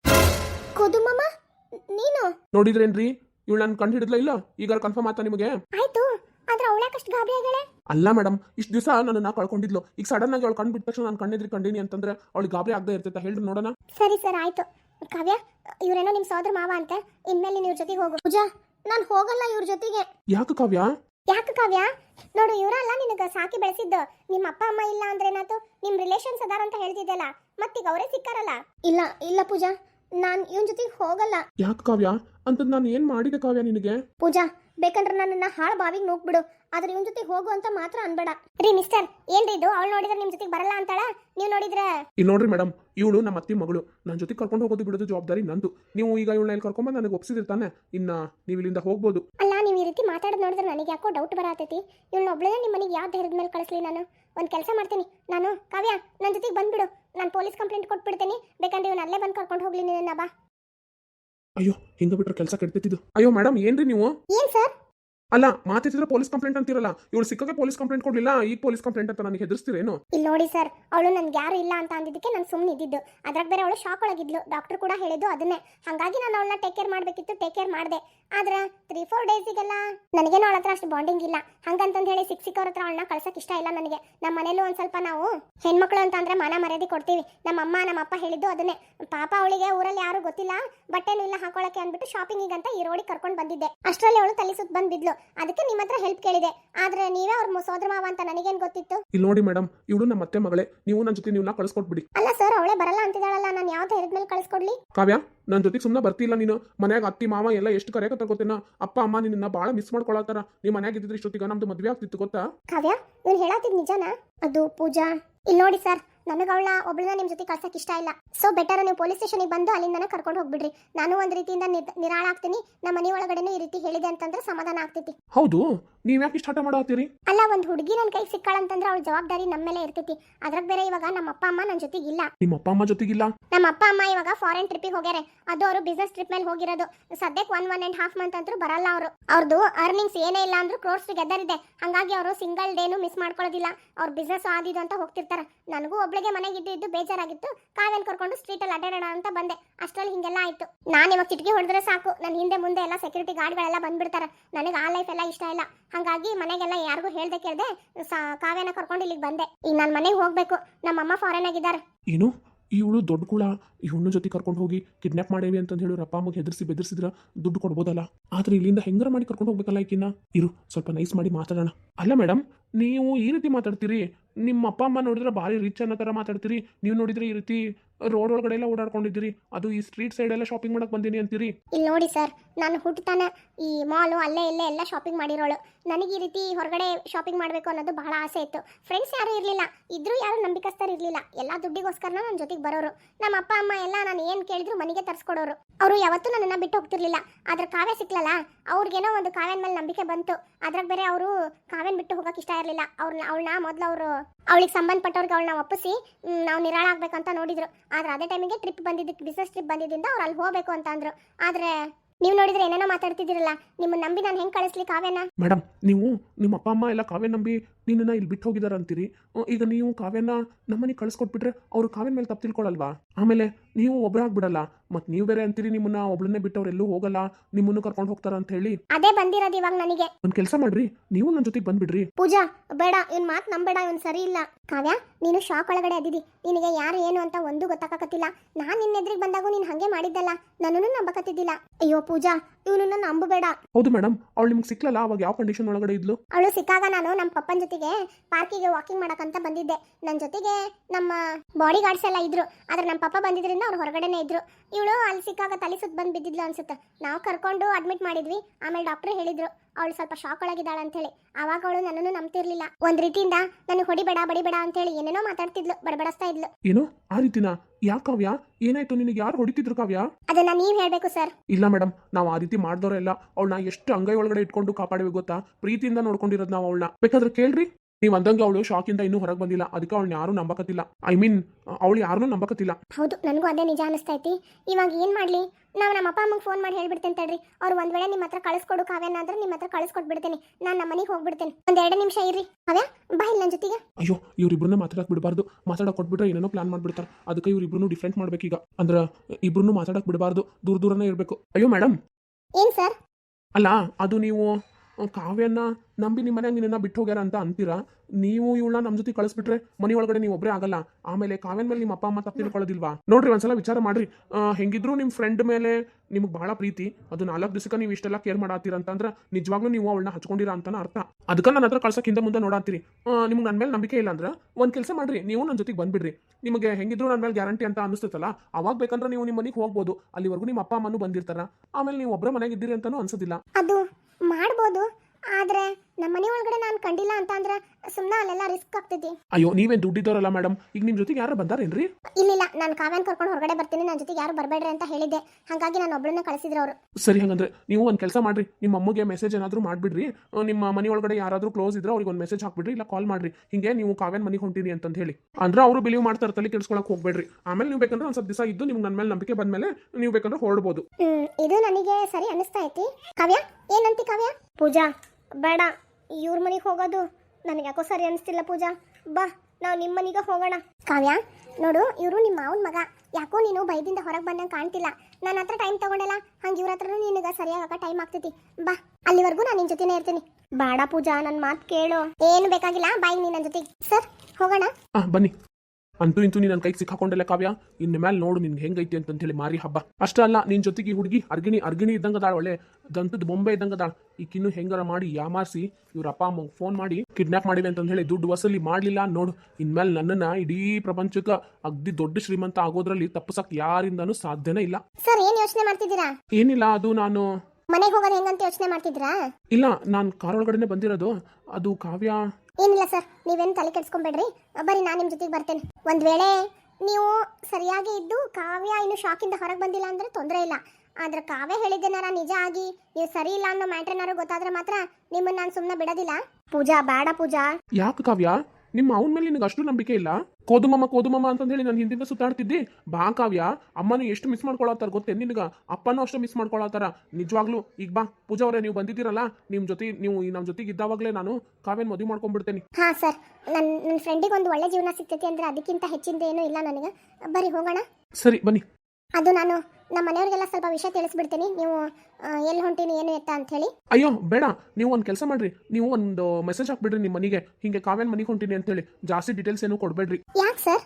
S1: ಕುದುಮಮ್ಮ, ನೀನು
S2: ನೋಡಿದ್ರೇನ್ರಿ? ಇವಳು ನಾನು ಕಂಡು ಹಿಡಿದ್ಲ ಇಲ್ಲ? ಈಗ ಕನ್ಫರ್ಮ್ ಆಯ್ತಾ ನಿಮಗೆ?
S1: ಆಯ್ತು, ಆದ್ರೆ ಅವಳ್ಯಾಕಷ್ಟು ಗಾಬರಿ ಆಗಳೆ?
S2: ಅಲ್ಲ ಮೇಡಮ್, ಇಷ್ಟು ದಿವಸ ನನ್ನ ಕಳ್ಕೊಂಡಿದ್ಲು. ಈಗ ಸಡನ್ ಆಗಿ ಅವಳು ಕಂಡು ಬಿಟ್ಟ ತಕ್ಷಣ ನಾನು ಕಣ್ಣಿದ್ರಿ ಕಂಡೀನಿ ಅಂತಂದ್ರೆ ಅವಳಿಗೆ ಗಾಬರಿ ಆಗದೆ ಇರ್ತೈತೆ. ಹೇಳ್ರಿ ನೋಡೋಣ.
S1: ಸರಿ ಸರ್, ಆಯ್ತು. ಕಾವ್ಯ, ಇವರೇನೋ ನಿಮ್ ಸೋದರ ಮಾವ ಅಂತ, ಇನ್ಮೇಲೆ ನೀನ್ ಇವ್ರ ಜೊತೆಗೆ ಹೋಗು. ಪೂಜಾ, ನಾನು ಹೋಗಲ್ಲ ಇವ್ರ ಜೊತೆಗೆ.
S2: ಯಾಕೆ ಕಾವ್ಯ?
S1: ಯಾಕೆ ಕಾವ್ಯ? ನೋಡು, ಇವರಲ್ಲ ನಿನಗ ಸಾಕಿ ಬೆಳೆಸಿದ್ದು. ನಿಮ್ಮ ಅಪ್ಪ ಅಮ್ಮ ಇಲ್ಲ ಅಂದ್ರೆ ಏನಾಯ್ತು? ನಿಮ್ ರಿಲೇಷನ್ಸ್ ಅದಾರ ಅಂತ ಹೇಳ್ತಿದ್ದಲ್ಲ, ಮತ್ತೀಗ ಅವರೇ ಸಿಕ್ಕಾರಲ್ಲ. ಇಲ್ಲ ಇಲ್ಲ ಪೂಜಾ, ನಾನ್ ಇವನ್ ಜೊತೆಗೆ ಹೋಗಲ್ಲ.
S2: ಯಾಕೆ ಕಾವ್ಯ? ಅಂತದ್ ನಾನು ಏನ್ ಮಾಡಿದೆ ಕಾವ್ಯ ನಿನಗೆ?
S1: ಪೂಜಾ, ಬೇಕಂದ್ರೆ ನನ್ನನ್ನ ಹಾಳು ಬಾವಿಗೆ ನೋಗ್ಬಿಡು, ಆದ್ರೆ ಇವನ್ ಜೊತೆಗೆ ಹೋಗು ಅಂತ ಮಾತ್ರ ಅನ್ಬೇಡ. ರೀ ಮಿಸ್ಟರ್, ಏನ್ರಿ ಇದು? ಅವಳು ನೋಡಿದ್ರೆ ನಿಮ್ ಜೊತೆಗೆ ಬರಲ್ಲ ಅಂತಾಳ, ನೀವು ನೋಡಿದ್ರೆ?
S2: ಇಲ್ಲಿ ನೋಡ್ರಿ ಮೇಡಮ್, ಇವಳು ನಮ್ಮ ಅತ್ತಿ ಮಗಳು. ನನ್ನ ಜೊತೆ ಕರ್ಕೊಂಡು ಹೋಗೋದು ಬಿಡೋದು ಜವಾಬ್ದಾರಿ ನಂದು. ನೀವು ಈಗ ಇವಳನ್ನ ಇಲ್ಲಿ ಕರ್ಕೊಂಬಂದು ನನಗೆ ಒಪ್ಸಿದಿರ್ತಾನೆ, ಇನ್ನ ನೀವು ಇಲ್ಲಿಂದ ಹೋಗ್ಬೋದು.
S1: ಅಲ್ಲ, ನೀವು ಈ ರೀತಿ ಮಾತಾಡೋದು ನೋಡಿದ್ರೆ ನನಗೆ ಯಾಕೋ ಡೌಟ್ ಬರತೈತಿ. ಇವಳನ್ನ ಒಬ್ಳೇ ನಿಮ್ಮ ಮನೆಗೆ ಯಾವ ಧೈರ್ಯದ ಮೇಲೆ ಕಳಿಸ್ಲಿ ನಾನು? ಒಂದು ಕೆಲಸ ಮಾಡ್ತೀನಿ ನಾನು. ಕಾವ್ಯ, ನನ್ನ ಜೊತೆಗೆ ಬಂದ್ಬಿಡು, ನಾನು ಪೊಲೀಸ್ ಕಂಪ್ಲೇಂಟ್ ಕೊಟ್ಬಿಡ್ತೀನಿ. ಬೇಕಂದ್ರೆ ಇವನು ಅಲ್ಲೇ ಬಂದು ಕರ್ಕೊಂಡು ಹೋಗ್ಲಿ ನಿನ್ನ. ಬಾ.
S2: ಅಯ್ಯೋ, ಹಿಂಗ ಬಿಟ್ರೆ ಕೆಲಸ ಕೆಡ್ತಿದ್ದು. ಅಯ್ಯೋ ಮೇಡಮ್, ಏನ್ರಿ ನೀವು?
S1: ಏನ್ ಸರ್?
S2: ಅಲ್ಲ, ಮಾತಿದ್ರೆ ಪೊಲೀಸ್ ಕಂಪ್ಲೇಂಟ್ ಅಂತಿರಲ್ಲ. ಇವಳು ಸಿಕ್ಕಕ್ಕೆ ಪೊಲೀಸ್ ಕಂಪ್ಲೇಂಟ್ ಕೊಡ್ಲಿಲ್ಲ, ಈಗ ಪೊಲೀಸ್ ಕಂಪ್ಲೇಂಟ್ ಅಂತ ನನಗೆ ಹೆದರ್ಸ್ತೀರೇನು?
S1: ಇಲ್ಲಿ ನೋಡಿ ಸರ್, ಅವಳು ನನ್ಗೆ ಯಾರು ಇಲ್ಲ ಅಂತ ಅಂದಿದ್ದಕ್ಕೆ ನಾನು ಸುಮ್ಮನೆ ಇದ್ದಿದ್ದು. ಅದ್ರಾಗ ಬೇರೆ ಅವಳು ಶಾಕ್ ಒಳಗಿದ್ಲು. ಡಾಕ್ಟರ್ ಕೂಡ ಹೇಳಿದ್ದು ಅದನ್ನೇ. ಹಾಗಾಗಿ ನಾನು ಅವಳನ್ನ ಟೇಕ್ ಕೇರ್ ಮಾಡಬೇಕಿತ್ತು, ಟೇಕ್ ಕೇರ್ ಮಾಡಿದೆ. ಆದ್ರೆ ತ್ರೀ ಫೋರ್ ಡೇಸಿಗೆಲ್ಲ ನನಗೇನೋ ಅವಳ ಹತ್ರ ಅಷ್ಟು ಬಾಂಡಿಂಗ್ ಇಲ್ಲ. ಹಂಗಂತಂದು ಹೇಳಿ ಸಿಕ್ ಸಿಕ್ಕವ್ರ ಹತ್ರ ಅವಳನ್ನ ಕಳ್ಸಕ್ಕೆ ಇಷ್ಟ ಇಲ್ಲ ನನಗೆ. ನಮ್ಮ ಮನೇಲೂ ಒಂದು ಸ್ವಲ್ಪ ನಾವು ಹೆಣ್ಮಕ್ಳು ಅಂತ ಅಂದ್ರೆ ಮಾನ ಮರ್ಯಾದೆ ಕೊಡ್ತೀವಿ. ನಮ್ಮ ಅಮ್ಮ ನಮ್ಮ ಅಪ್ಪ ಹೇಳಿದ್ದು ಅದನ್ನೇ. ಪಾಪ ಅವಳಿಗೆ ಊರಲ್ಲಿ ಯಾರು ಗೊತ್ತಿಲ್ಲ, ಬಟ್ಟೆನೂ ಇಲ್ಲ ಹಾಕೊಳ್ಳೋಕೆ ಅಂದ್ಬಿಟ್ಟು ಶಾಪಿಂಗಿಗೆ ಅಂತ ಈ ರೋಡಿಗೆ ಕರ್ಕೊಂಡು ಬಂದಿದ್ದೆ. ಅಷ್ಟರಲ್ಲಿ ಅವಳು ತಲೆ ಸುತ್ತ ಬಂದು ಬಿದ್ಲು. ಅದಕ್ಕೆ ನಿಮ್ಮ ಹತ್ರ ಹೆಲ್ಪ್ ಕೇಳಿದೆ. ಆದ್ರೆ ನೀವೇ ಅವ್ರ ಸೋದರ ಮಾವ ಅಂತ ನನಗೇನು ಗೊತ್ತಿತ್ತು?
S2: ಇಲ್ಲಿ ನೋಡಿ ಮೇಡಮ್, ಇವಳು ನಮ್ಮ ಅತ್ತೆ ಮಗಳೇ. ನೀವು ನನ್ನ ಜೊತೆ ನೀವು ಕಳಿಸ್ಕೊಟ್ಬಿಡಿ.
S1: ಅಲ್ಲ ಸರ್, ಅವಳೇ ಬರಲ್ಲ ಅಂತಿದ್ದಾಳಲ್ಲ, ನಾನು ಯಾವ ಧೈರ್ಯದ ಮೇಲೆ ಕಳಿಸ್ಕೊಡ್ಲಿ?
S2: ಕಾವ್ಯ, ನನ್ನ ಜೊತೆಗೆ ಸುಮ್ಮನೆ ಬರ್ತಿಲ್ಲ ನೀನು. ಮನ್ಯಾಗ ಅತ್ತಿ ಮಾವ ಎಲ್ಲ ಎಷ್ಟು ಕರೆಯಕ ಗೊತ್ತೇನ? ಅಪ್ಪ ಅಮ್ಮ ನಿನ್ನ ಭಾಳ ಮಿಸ್ ಮಾಡ್ಕೊಳತ್ತಾರ. ನೀವು ಮನ್ಯಾಗ ಇದ್ದಿದ್ರೆ ಇಷ್ಟೊತ್ತಿಗೆ ನಮ್ದು ಮದುವೆ ಆಗ್ತಿತ್ತು ಗೊತ್ತಾ?
S1: ಕಾವ್ಯ, ಇವ್ನು ಹೇಳತ್ತಿದ್ ನಿಜನಾ? ಅದು ಪೂಜಾ, ಇಲ್ಲಿ ನೋಡಿ ಸರ್, ನನಗೆ ಅವಳ ಒಬ್ಬಳನ್ನ ನಿಮ್ಮ ಜೊತೆ ಕಳ್ಸಕ್ಕೆ ಇಷ್ಟ ಇಲ್ಲ. ಸೊ ಬೆಟರ್ ನೀವು ಪೊಲೀಸ್ ಸ್ಟೇಷನಿಗೆ ಬಂದು ಅಲ್ಲಿಂದನೇ ಕರ್ಕೊಂಡು ಹೋಗ್ಬಿಡ್ರಿ. ನಾನು ಒಂದು ರೀತಿಯಿಂದ ನಿರಾಳ ಆಗ್ತೀನಿ. ನಮ್ಮ ಮನೆ ಒಳಗಡೆನೂ ಈ ರೀತಿ ಹೇಳಿದೆ ಅಂತಂದ್ರೆ ಸಮಾಧಾನ ಆಗ್ತೈತಿ.
S2: ಹೌದು, ನೀವ್ ಯಾಕೆ ಇಷ್ಟ ಮಾಡತ್ತೀರಿ?
S1: ಅಲ್ಲ, ಒಂದು ಹುಡುಗಿ ನನ್ನ ಕೈಗೆ ಸಿಕ್ಕಾಳಂತಂದ್ರೆ ಅವಳ ಜವಾಬ್ದಾರಿ ನಮ್ಮ ಮೇಲೆ ಇರ್ತೈತಿ. ಅದ್ರಾಗ ಬೇರೆ ಇವಾಗ ನಮ್ಮ ಅಪ್ಪ ಅಮ್ಮ ನನ್ನ ಜೊತೆಗೆ ಇಲ್ಲ.
S2: ನಿಮ್ಮ ಅಪ್ಪ ಅಮ್ಮ ಜೊತೆಗಿಲ್ಲ?
S1: ನಮ್ಮ ಅಪ್ಪ ಅಮ್ಮ ಇವಾಗ ಫಾರಿನ್ ಟ್ರಿಪ್ಪಿಗೆ ಹೋಗ್ಯಾರೆ. ಅದು ಅವರು ಬಿಸ್ನೆಸ್ ಟ್ರಿಪ್ ಮೇಲೆ ಹೋಗಿರೋದು. ಸದ್ಯಕ್ಕೆ one one and half month ಅಂತೂ ಬರಲ್ಲ ಅವರು. ಅವ್ರದ್ದು ಅರ್ನಿಂಗ್ಸ್ ಏನೇ ಇಲ್ಲ ಅಂದ್ರೂ ಕ್ರೋರ್ಸ್ ಗೆದರ್ ಇದೆ. ಹಾಗಾಗಿ ಅವರು ಸಿಂಗಲ್ ಡೇನು ಮಿಸ್ ಮಾಡ್ಕೊಳ್ಳೋದಿಲ್ಲ. ಅವ್ರ ಬಿಸ್ನೆಸ್ ಆದಿದ್ದು ಅಂತ ಹೋಗ್ತಿರ್ತಾರೆ. ನನಗೂ ಒಬ್ಳಿಗೆ ಮನೆಗೆ ಇದ್ದು ಇದ್ದು ಬೇಜಾರಾಗಿತ್ತು. ಕಾವ್ಯನ್ ಕರ್ಕೊಂಡು ಸ್ಟ್ರೀಟಲ್ಲಿ ಅಡ್ಡಾಡೋಣ ಅಂತ ಬಂದೆ. ಅಷ್ಟರಲ್ಲಿ ಹಿಂಗೆಲ್ಲ ಆಯ್ತು. ನಾನು ಇವಾಗ ಚಿಟಿಕೆ ಹೊಡೆದ್ರೆ ಸಾಕು, ನನ್ನ ಹಿಂದೆ ಮುಂದೆ ಎಲ್ಲ ಸೆಕ್ಯೂರಿಟಿ ಗಾರ್ಡ್ಗಳೆಲ್ಲ ಬಂದ್ಬಿಡ್ತಾರೆ. ನನಗೆ ಆ ಲೈಫ್ ಎಲ್ಲ ಇಷ್ಟ ಇಲ್ಲ. ಹಾಗಾಗಿ ಮನೆಗೆಲ್ಲ ಯಾರಿಗೂ ಹೇಳ್ದೆ ಕೇಳ್ದೆ ಕಾವ್ಯನ ಕರ್ಕೊಂಡು ಇಲ್ಲಿಗೆ ಬಂದೆ. ಈಗ ನಾನು ಮನೆಗೆ ಹೋಗ್ಬೇಕು. ನಮ್ಮಮ್ಮ ಫಾರಿನ್ ಆಗಿದ್ದಾರೆ.
S2: ಏನು ಇವಳು ದೊಡ್ಡ ಕುಳ ಇವನ ಜೊತೆ ಕರ್ಕೊಂಡು ಹೋಗಿ ಕಿಡ್ನಾಪ್ ಮಾಡೇವಿ ಅಂತ ಹೇಳಿ ಅಪ್ಪ ಅಮ್ಮಗೆ ಹೆದರ್ಸಿ ಬೆದರ್ಸಿದ್ರ ದುಡ್ಡು ಕೊಡ್ಬೋದಲ್ಲ. ಆದ್ರೆ ಇಲ್ಲಿಂದ ಹೆಂಗಾರ ಮಾಡಿ ಕರ್ಕೊಂಡು ಹೋಗ್ಬೇಕಲ್ಲ ಈಕಿನ್ನ. ಇರು, ಸ್ವಲ್ಪ ನೈಸ್ ಮಾಡಿ ಮಾತಾಡೋಣ. ಅಲ್ಲ ಮೇಡಮ್, ನೀವು ಈ ರೀತಿ ಮಾತಾಡ್ತೀರಿ. ನಿಮ್ಮ ಅಪ್ಪ ಅಮ್ಮ ನೋಡಿದ್ರೆ ಭಾರಿ ರಿಚ್ ಅನ್ನೋ ಥರ ಮಾತಾಡ್ತೀರಿ. ನೀವು ನೋಡಿದ್ರೆ ಈ ರೀತಿ ರೋಡ್ ಒಳಗಡೆ ಎಲ್ಲ ಓಡಾಡ್ಕೊಂಡಿದ್ದೀರಿ, ಅದು ಈ ಸ್ಟ್ರೀಟ್ ಸೈಡ್ ಎಲ್ಲ ಶಾಪಿಂಗ್ ಮಾಡಕ್ ಬಂದೀನಿ ಅಂತೀರಿ.
S1: ಇಲ್ಲಿ ನೋಡಿ ಸರ್, ನಾನು ಹುಟ್ಟುತ್ತಾನೆ ಈ ಮಾಲು ಅಲ್ಲೇ ಇಲ್ಲೇ ಎಲ್ಲ ಶಾಪಿಂಗ್ ಮಾಡಿರೋಳು. ನನಗೆ ಈ ರೀತಿ ಹೊರಗಡೆ ಶಾಪಿಂಗ್ ಮಾಡಬೇಕು ಅನ್ನೋದು ಬಹಳ ಆಸೆ ಇತ್ತು. ಫ್ರೆಂಡ್ಸ್ ಯಾರು ಇರಲಿಲ್ಲ, ಇದ್ರೂ ಯಾರು ನಂಬಿಕಸ್ತರು ಇರಲಿಲ್ಲ. ಎಲ್ಲ ದುಡ್ಡಿಗೋಸ್ಕರನ ನನ್ನ ಜೊತೆಗೆ ಬರೋರು. ನಮ್ಮ ಅಪ್ಪ ಅಮ್ಮ ಎಲ್ಲ ನಾನು ಏನು ಕೇಳಿದ್ರು ಮನೆಗೆ ತರಿಸ್ಕೊಡೋರು. ಅವರು ಯಾವತ್ತೂ ನನ್ನನ್ನು ಬಿಟ್ಟು ಹೋಗ್ತಿರ್ಲಿಲ್ಲ. ಆದ್ರೆ ಕಾವ್ಯ ಸಿಕ್ಲಲ್ಲ, ಅವ್ರಿಗೇನೋ ಒಂದು ಕಾವ್ಯನ ಮೇಲೆ ನಂಬಿಕೆ ಬಂತು. ಅದ್ರಾಗ ಬೇರೆ ಅವರು ಕಾವ್ಯನ ಬಿಟ್ಟು ಹೋಗಕ್ಕೆ ಇಷ್ಟ ಇರಲಿಲ್ಲ. ಅವ್ರನ್ನ ಅವಳನ್ನ ಮೊದಲು ಅವರು ಅವಳಿಗೆ ಸಂಬಂಧಪಟ್ಟವ್ರಿಗೆ ಅವಳನ್ನ ಒಪ್ಪಿಸಿ ನಾವು ನಿರಾಳ ಆಗ್ಬೇಕಂತ ನೋಡಿದ್ರು. ಆದ್ರೆ ಅದೇ ಟೈಮಿಗೆ ಟ್ರಿಪ್ ಬಂದಿದ್ದಕ್ಕೆ, ಬಿಸ್ನೆಸ್ ಟ್ರಿಪ್ ಬಂದಿದ್ದರಿಂದ ಅವ್ರು ಅಲ್ಲಿ ಹೋಗಬೇಕು ಅಂತ ಅಂದ್ರು. ಆದ್ರೆ ನೀವು ನೋಡಿದ್ರೆ ಏನೇನೋ ಮಾತಾಡ್ತಿದ್ದೀರಲ್ಲ, ನಿಮ್ಮನ್ನ ನಂಬಿ ನಾನು ಹೆಂಗೆ ಕಳಿಸ್ಲಿ ಕಾವ್ಯನ?
S2: ಮೇಡಮ್, ನೀವು ನಿಮ್ಮ ಅಪ್ಪ ಅಮ್ಮ ಎಲ್ಲ ಕಾವ್ಯ ನಂಬಿ ನಿನ್ನನ್ನ ಇಲ್ಲಿ ಬಿಟ್ಟು ಹೋಗಿದಾರ ಅಂತೀರಿ. ಅಹ್, ಈಗ ನೀವು ಕಾವ್ಯನ ನಮ್ಮನೆಗೆ ಕಳಿಸ್ಕೊಟ್ಬಿಟ್ರೆ ಅವರು ಕಾವ್ಯನ ಮೇಲೆ ತಪ್ಪು ತಿಳ್ಕೊಳಲ್ವಾ? ಆಮೇಲೆ ನೀವು ಒಬ್ಬರಾಗ್ಬಿಡಲ್ಲ, ಮತ್ತು ನೀವು ಬೇರೆ ಅಂತೀರಿ ನಿಮ್ಮನ್ನ ಒಬ್ಳನ್ನೇ ಬಿಟ್ಟು ಅವ್ರು ಎಲ್ಲೂ ಹೋಗಲ್ಲ, ನಿಮ್ಮನ್ನು ಕರ್ಕೊಂಡು ಹೋಗ್ತಾರ ಅಂತ ಹೇಳಿ.
S1: ಅದೇ ಬಂದಿರೋದು ಇವಾಗ ನನಗೆ.
S2: ಒಂದು ಕೆಲಸ ಮಾಡ್ರಿ, ನೀವು ನನ್ನ ಜೊತೆಗೆ ಬಂದ್ಬಿಡ್ರಿ.
S1: ಪೂಜಾ ಬೇಡ, ಇವ್ನ ಮಾತು ನಂಬೇಡ, ಇವ್ನು ಸರಿ ಇಲ್ಲ. ಕಾವ್ಯ, ನೀನು ಶಾಕ್ ಒಳಗಡೆ ಅದಿದಿ. ನಿನಗೆ ಯಾರು ಏನು ಅಂತ ಒಂದು ಗೊತ್ತಾಗಕತ್ತಿಲ್ಲ. ನಾನು ನಿನ್ನ ಎದುರಿಗೆ ಬಂದಾಗೂ ನೀನು ಹಾಗೆ ಮಾಡಿದ್ದಲ್ಲ, ನನ್ನನ್ನು ನಂಬಕತ್ತಿದ್ದಿಲ್ಲ. ಅಯ್ಯೋ ಪೂಜಾ, ಇವನನ್ನ ನಂಬಬೇಡ.
S2: ಹೌದು ಮೇಡಮ್, ಅವಳು ನಿಮ್ಗೆ ಸಿಕ್ಲಲ್ಲ, ಅವಾಗ ಯಾವ ಕಂಡೀಷನ್ ಒಳಗಡೆ ಇದ್ಲು?
S1: ಅವಳು ಸಿಕ್ಕಾಗ ನಾನು ನಮ್ಮ ಪಪ್ಪನ ಜೊತೆಗೆ ಪಾರ್ಕಿಗೆ ವಾಕಿಂಗ್ ಮಾಡಕಂತ ಬಂದಿದ್ದೆ. ನನ್ನ ಜೊತೆಗೆ ನಮ್ಮ ಬಾಡಿ ಗಾರ್ಡ್ಸ್ ಎಲ್ಲ ಇದ್ರು. ಆದ್ರೆ ನಮ್ಮ ಪಪ್ಪ ಬಂದಿದ್ರಿಂದ ಅವ್ರು ಹೊರಗಡೆನೇ ಇದ್ರು. ಇವಳು ಅಲ್ಲಿ ಸಿಕ್ಕಾಗ ತಲೆ ಸುತ್ತ ಬಂದು ಬಿದ್ದಿದ್ಲು ಅನ್ಸುತ್ತೆ. ನಾವು ಕರ್ಕೊಂಡು ಅಡ್ಮಿಟ್ ಮಾಡಿದ್ವಿ. ಆಮೇಲೆ ಡಾಕ್ಟರ್ ಹೇಳಿದ್ರು ಅವಳು ಸ್ವಲ್ಪ ಶಾಕ್ ಒಳಗಿದ್ದಾಳೆ ಅಂತ ಹೇಳಿ. ಆವಾಗ ಅವಳು ನನ್ನನ್ನು ನಂಬ್ತಿರ್ಲಿಲ್ಲ. ಒಂದ್ ರೀತಿಯಿಂದ ನನಗೆ ಹೊಡಿಬೇಡ ಬಡಿಬೇಡ ಅಂತ ಹೇಳಿ ಏನೇನೋ ಮಾತಾಡ್ತಿದ್ಲು, ಬಡಬಡಿಸ್ತಾ ಇದ್ಲು.
S2: ಏನು ಆ ರೀತಿನ? ಯಾಕೆ ಕಾವ್ಯ, ಏನಾಯ್ತು ನಿನಗೆ? ಯಾರು ಹೊಡಿತಿದ್ರು ಕಾವ್ಯ?
S1: ಅದನ್ನ ನೀವ್ ಹೇಳ್ಬೇಕು ಸರ್.
S2: ಇಲ್ಲ ಮೇಡಮ್, ನಾವು ಆ ರೀತಿ ಮಾಡ್ದವ್ರೆಲ್ಲ ಅವಳನ್ನ ಎಷ್ಟು ಅಂಗೈ ಒಳಗಡೆ ಇಟ್ಕೊಂಡು ಕಾಪಾಡಿವಿ ಗೊತ್ತಾ? ಪ್ರೀತಿಯಿಂದ ನೋಡ್ಕೊಂಡಿರೋದು ನಾವು ಅವಳನ್ನ. ಬೇಕಾದ್ರೆ ಕೇಳ್ರಿ, ನೀವು ಅಂದಂಗೆ ಅವಳು ಶಾಕಿಂದ ಇನ್ನೂ ಹೊರಗೆ ಬಂದಿಲ್ಲ, ಅದಕ್ಕೆ ಅವಳನ್ನ ಯಾರು ನಂಬಕತ್ತಿಲ್ಲ. ಐ ಮೀನ್ ಅವಳು ಯಾರನ್ನೂ ನಂಬಕತ್ತಿಲ್ಲ.
S1: ಹೌದು, ನನಗೂ ಅದೇ ನಿಜ ಅನಿಸ್ತೈತಿ. ಇವಾಗ ಏನ್ ಮಾಡ್ಲಿ? ನಾವು ನಮ್ಮ ಅಪ್ಪ ಅಮ್ಮಂಗೆ ಫೋನ್ ಮಾಡಿ ಹೇಳ್ಬಿಡ್ತೇನೆ ತಡ್ರಿ. ಅವ್ರು ಒಂದ್ ವೇಳೆ ನಿಮ್ಮ ಹತ್ರ ಕಳಿಸ್ಕೊಡು ಕಾವ್ಯನ ಅಂದ್ರೆ ನಿಮ್ಮ ಹತ್ರ ಕಳಿಸ್ಕೊಟ್ಬಿಡ್ತೇನೆ. ನಾನು ನಮ್ಮ ಮನೆಗೆ ಹೋಗ್ಬಿಡ್ತೇನೆ. ಒಂದ್ ಎರಡು ನಿಮಿಷ ಇರ್ರಿ. ಕಾವ್ಯ ಬಾ ಇಲ್ಲಿ ನನ್ನ ಜೊತೆಗೆ.
S2: ಅಯ್ಯೋ, ಇವ್ರಿಬ್ರನ್ನ ಮಾತಾಡಕ್ ಬಿಡಬಾರ್ದು. ಮಾತಾಡಕ್ ಕೊಟ್ಬಿಟ್ರೆ ಏನೇನೋ ಪ್ಲಾನ್ ಮಾಡ್ಬಿಡ್ತಾರೆ. ಅದಕ್ಕೆ ಇವ್ರಿಬ್ರು ಡಿಫ್ರೆಂಟ್ ಮಾಡ್ಬೇಕೀಗ. ಅಂದ್ರೆ ಇಬ್ರು ಮಾತಾಡಕ್ ಬಿಡಬಾರ್ದು, ದೂರ ದೂರನೇ ಇರಬೇಕು. ಅಯ್ಯೋ ಮೇಡಮ್.
S1: ಏನ್ ಸರ್?
S2: ಅಲ್ಲ, ಅದು ನೀವು ಕಾವ್ಯನ ನಂಬಿ ನಿಮ್ಮ ಮನೆಯಾಗ ನಿನ್ನ ಬಿಟ್ಟು ಹೋಗ್ಯಾರ ಅಂತ ಅಂತೀರಾ. ನೀವು ಇವಳನ್ನ ನಮ್ಮ ಜೊತೆ ಕಳಿಸ್ಬಿಟ್ರೆ ಮನೆ ಒಳಗಡೆ ನೀವು ಒಬ್ಬರೇ ಆಗಲ್ಲ. ಆಮೇಲೆ ಕಾವ್ಯನ ಮೇಲೆ ನಿಮ್ಮ ಅಪ್ಪ ಅಮ್ಮ ತಪ್ಪು ತಿಳ್ಕೊಳ್ಳೋದಿಲ್ವಾ? ನೋಡ್ರಿ, ಒಂದ್ಸಲ ವಿಚಾರ ಮಾಡ್ರಿ. ಹೆಂಗಿದ್ರು ನಿಮ್ಮ ಫ್ರೆಂಡ್ ಮೇಲೆ ನಿಮ್ಗೆ ಬಹಳ ಪ್ರೀತಿ. ಅದು ನಾಲ್ಕು ದಿವಸಕ್ಕೆ ನೀವು ಇಷ್ಟೆಲ್ಲ ಕೇರ್ ಮಾಡತ್ತೀರ ಅಂತಂದ್ರೆ ನಿಜವಾಗ್ಲೂ ನೀವು ಅವಳನ್ನ ಹಚ್ಕೊಂಡಿರ ಅಂತಾನೆ ಅರ್ಥ. ಅದಕ್ಕೆ ನನ್ನ ಹತ್ರ ಕಳ್ಸಕ್ಕೆ ಹಿಂದೆ ಮುಂದೆ ನೋಡಾತ್ತೀರಿ. ನಿಮ್ಗೆ ನನ್ನ ಮೇಲೆ ನಂಬಿಕೆ ಇಲ್ಲ ಅಂದ್ರೆ ಒಂದು ಕೆಲಸ ಮಾಡ್ರಿ, ನೀವು ನನ್ನ ಜೊತೆಗೆ ಬಂದ್ಬಿಡ್ರಿ. ನಿಮಗೆ ಹೆಂಗಿದ್ರು ನನ್ನ ಮೇಲೆ ಗ್ಯಾರಂಟಿ ಅಂತ ಅನಿಸ್ತೈತಲ್ಲ, ಅವಾಗ ಬೇಕಂದ್ರೆ ನೀವು ನಿಮ್ಮ ಮನೆಗೆ ಹೋಗ್ಬೋದು. ಅಲ್ಲಿವರೆಗೂ ನಿಮ್ಮ ಅಪ್ಪ ಅಮ್ಮನೂ ಬಂದಿರ್ತಾರ. ಆಮೇಲೆ ನೀವು ಒಬ್ಬರ ಮನೆಗೆ ಇದ್ದೀರಿ ಅಂತಾನೂ ಅನ್ಸೋದಿಲ್ಲ.
S1: ಅದು ಮಾಡ್ಬೋದು, ಆದ್ರೆ ನಮ್ಮ ಮನೆ ಒಳಗಡೆ ನಾನು ಕಂಡಿಲ್ಲ ಅಂತ ಅಂದ್ರೆ ಸುಮ್ಮನೆ ಅಲ್ಲೆಲ್ಲ ರಿಸ್ಕ್ ಆಗ್ತೈತಿ.
S2: ಅಯ್ಯೋ, ನೀವೇನು ದುಡ್ಡಿದ್ದವರಲ್ಲ ಮೇಡಮ್. ಈಗ ನಿಮ್ಮ ಜೊತೆಗೆ ಯಾರು ಬಂದಾರೇನ್ರಿ?
S1: ಇಲ್ಲಿಲ್ಲ, ನಾನು ಕಾವ್ಯನ್ ಕರ್ಕೊಂಡು ಹೊರಗಡೆ ಬರ್ತೀನಿ, ನನ್ನ ಜೊತೆಗೆ ಯಾರು ಬರಬೇಡ್ರಿ ಅಂತ ಹೇಳಿದ್ದೆ. ಹಾಗಾಗಿ ನಾನು ಒಬ್ಬಳನ್ನ ಕಳಿಸಿದ್ರು ಅವರು.
S2: ಸರಿ, ಹಂಗಂದ್ರೆ ನೀವು ಒಂದು ಕೆಲಸ ಮಾಡ್ರಿ, ನಿಮ್ಮ ಅಮ್ಮಗೆ ಮೆಸೇಜ್ ಏನಾದರೂ ಮಾಡಿಬಿಡ್ರಿ. ನಿಮ್ಮ ಮನೆ ಒಳಗಡೆ ಯಾರಾದರೂ ಕ್ಲೋಸ್ ಇದ್ರೆ ಅವ್ರಿಗೆ ಒಂದು ಮೆಸೇಜ್ ಹಾಕ್ಬಿಡ್ರಿ, ಇಲ್ಲ ಕಾಲ್ ಮಾಡ್ರಿ. ಹಿಂಗೆ ನೀವು ಕಾವ್ಯನ ಮನೆಗೆ ಹೊಂಟೀನಿ ಅಂತ ಹೇಳಿ. ಅಂದ್ರೆ ಅವರು ಬಿಲೀವ್ ಮಾಡ್ತಾರೆ, ತಲೆ ಕೆಡಿಸ್ಕೊಳಕ್ ಹೋಗ್ಬೇಡ್ರಿ. ಆಮೇಲೆ ನೀವು ಬೇಕಂದ್ರೆ ಒಂದು ಸ್ವಲ್ಪ ದಿವಸ ಇದ್ದು ನಿಮ್ಗೆ ನನ್ನ ಮೇಲೆ ನಂಬಿಕೆ ಬಂದ್ಮೇಲೆ ನೀವು ಬೇಕಂದ್ರೆ ಹೊರಡ್ಬೋದು.
S1: ಹ್ಮ್ ಇದು ನನಗೆ ಸರಿ ಅನಿಸ್ತಾ ಐತಿ. ಕಾವ್ಯ ಏನಂತಿ? ಕಾವ್ಯ ಪೂಜಾ ಬೇಡ, ಇವ್ರ ಮನೆಗೆ ಹೋಗೋದು ನನಗೆ ಯಾಕೋ ಸರಿ ಅನಿಸ್ತಿಲ್ಲ. ಪೂಜಾ ಬಾ, ನಾವು ನಿಮ್ಮ ಮನೆಗೆ ಹೋಗೋಣ. ಕಾವ್ಯ ನೋಡು, ಇವರು ನಿಮ್ಮ ಮಾವನ ಮಗ. ಯಾಕೋ ನೀನು ಬೈದಿಂದ ಹೊರಗೆ ಬಂದಂಗೆ ಕಾಣ್ತಿಲ್ಲ. ನನ್ನ ಹತ್ರ ಟೈಮ್ ತಗೊಂಡಲ್ಲ, ಹಂಗೆ ಇವ್ರ ಹತ್ರನೂ ನಿನಗೆ ಸರಿಯಾಗ ಟೈಮ್ ಆಗ್ತೈತಿ. ಬಾ, ಅಲ್ಲಿವರೆಗೂ ನಾನು ನಿನ್ನ ಜೊತೆನೇ ಇರ್ತೀನಿ. ಬೇಡ ಪೂಜಾ, ನನ್ನ ಮಾತು ಕೇಳು. ಏನು ಬೇಕಾಗಿಲ್ಲ, ಬಾಯ್ ನೀ ನನ್ನ ಜೊತೆಗೆ. ಸರ್ ಹೋಗೋಣ.
S2: ಹಾಂ ಬನ್ನಿ. ಅಂತೂ ಇಂತೂ ನೀನು ನನ್ನ ಕೈಗೆ ಸಿಕ್ಕಾಕೊಂಡೆಲ್ಲ ಕಾವ್ಯ. ಇನ್ನು ಮೇಲೆ ನೋಡು ನಿನ್ಗೆ ಹೆಂಗೈತಿ ಅಂತ ಹೇಳಿ ಮಾರಿ ಹಬ್ಬ. ಅಷ್ಟೇ ಅಲ್ಲ, ನಿನ್ನ ಜೊತೆಗೆ ಈ ಹುಡುಗಿ ಅರ್ಗಿಣಿ ಅರ್ಗಿಣಿ ಇದ್ದಂಗೆ ಅದಾಳ, ಒಳ್ಳೆ ದಂತದ ಬೊಂಬೆ ಇದ್ದಂಗೆ ಅದಾಳ. ಈಕಿನ್ನು ಹೆಂಗಾರ ಮಾಡಿ ಯಾಮಾರಿಸಿ ಇವ್ರ ಅಪ್ಪ ಅಮ್ಮಗೆ ಫೋನ್ ಮಾಡಿ ಕಿಡ್ನಾಪ್ ಮಾಡಿವೆ ಅಂತ ಹೇಳಿ ದುಡ್ಡು ವಸೂಲಿ ಮಾಡಲಿಲ್ಲ ನೋಡು. ಇನ್ಮೇಲೆ ನನ್ನನ್ನು ಇಡೀ ಪ್ರಪಂಚಕ್ಕೆ ಅಗ್ದಿ ದೊಡ್ಡ ಶ್ರೀಮಂತ ಆಗೋದ್ರಲ್ಲಿ ತಪ್ಪಿಸಕ್ಕೆ ಯಾರಿಂದನೂ ಸಾಧ್ಯನೇ ಇಲ್ಲ.
S1: ಸರ್ ಏನು ಯೋಚನೆ ಮಾಡ್ತಿದ್ದೀರಾ?
S2: ಏನಿಲ್ಲ, ಅದು ನಾನು
S1: ಮನೆಗೆ ಹೋಗೋದು ಹೆಂಗಂತ ಯೋಚನೆ ಮಾಡ್ತಿದ್ರಾ?
S2: ಇಲ್ಲ, ನಾನು ಕಾರ್ ಒಳಗಡೆನೆ ಬಂದಿರೋದು. ಅದು ಕಾವ್ಯ.
S1: ಏನಿಲ್ಲ ಸರ್, ನೀವೇನು ತಲೆ ಕೆಡಿಸ್ಕೊಂಬೇಡ್ರಿ. ಬರೀ ನಾನು ನಿಮ್ಮ ಜೊತೆಗೆ ಬರ್ತೇನೆ. ಒಂದು ವೇಳೆ ನೀವು ಸರಿಯಾಗಿ ಇದ್ದು ಕಾವ್ಯ ಇನ್ನು ಶಾಕಿಂದ ಹೊರಗೆ ಬಂದಿಲ್ಲ ಅಂದರೆ ತೊಂದರೆ ಇಲ್ಲ. ಆದ್ರೆ ಕಾವ್ಯ ಹೇಳಿದ್ದೇನಾರ ನಿಜ ಆಗಿ ನೀವು ಸರಿ ಇಲ್ಲ ಅನ್ನೋ ಮ್ಯಾಟ್ರ್ ಏನಾರು ಗೊತ್ತಾದ್ರೆ ಮಾತ್ರ ನಿಮ್ಮನ್ನು ನಾನು ಸುಮ್ಮನೆ ಬಿಡೋದಿಲ್ಲ. ಪೂಜಾ ಬೇಡ ಪೂಜಾ.
S2: ಯಾಕೆ ಕಾವ್ಯ, ನಿಮ್ಮ ಅವನ ಮೇಲೆ ನಿನಗೆ ಅಷ್ಟು ನಂಬಿಕೆ ಇಲ್ಲ? ಕೋದುಮಮ್ಮ ಕೋದುಮಮ್ಮ ಅಂತ ಹೇಳಿ ನಾನು ಹಿಂದಿಂದ ಸುತ್ತಾಡ್ತಿದ್ದಿ. ಬಾ ಕಾವ್ಯ, ಅಮ್ಮನೂ ಎಷ್ಟು ಮಿಸ್ ಮಾಡ್ಕೊಳತ್ತಾರ ಗೊತ್ತೇ ನಿನಗೆ? ಅಪ್ಪನೂ ಅಷ್ಟು ಮಿಸ್ ಮಾಡ್ಕೊಳತ್ತಾರ ನಿಜವಾಗ್ಲೂ. ಈಗ ಬಾ ಪೂಜಾ ಅವರೇ, ನೀವು ಬಂದಿದ್ದೀರಲ್ಲ, ನಿಮ್ಮ ಜೊತೆ ನೀವು ನಮ್ಮ ಜೊತೆಗೆ ಇದ್ದಾವಾಗಲೇ ನಾನು ಕಾವ್ಯನ ಮದುವೆ ಮಾಡ್ಕೊಂಡ್ಬಿಡ್ತೇನೆ.
S1: ಹಾ ಸರ್, ನನ್ನ ನನ್ನ ಫ್ರೆಂಡಿಗೆ ಒಂದು ಒಳ್ಳೆ ಜೀವನ ಸಿಗ್ತೈತಿ ಅಂದ್ರೆ ಅದಕ್ಕಿಂತ ಹೆಚ್ಚಿಂದ ಏನೂ ಇಲ್ಲ ನನಗೆ. ಬರೀ ಹೋಗೋಣ.
S2: ಸರಿ ಬನ್ನಿ.
S1: ಅದು ನಾನು ನಮ್ಮ ಮನೆಯವ್ರಿಗೆಲ್ಲ ಸ್ವಲ್ಪ ವಿಷಯ ತಿಳಿಸ್ಬಿಡ್ತೀನಿ, ನೀವು ಎಲ್ಲಿ ಹೊಂಟೀನಿ ಏನು ಎತ್ತ ಅಂತ ಹೇಳಿ.
S2: ಅಯ್ಯೋ ಬೇಡ, ನೀವು ಒಂದು ಕೆಲಸ ಮಾಡ್ರಿ, ನೀವು ಒಂದು ಮೆಸೇಜ್ ಹಾಕ್ಬಿಡ್ರಿ ನಿಮ್ಮ ಮನೆಗೆ, ಹಿಂಗೆ ಕಾವ್ಯನ ಮನೆಗೆ ಹೊಂಟೀನಿ ಅಂತ ಹೇಳಿ. ಜಾಸ್ತಿ ಡೀಟೇಲ್ಸ್ ಏನು ಕೊಡಬೇಡ್ರಿ.
S1: ಯಾಕೆ ಸರ್?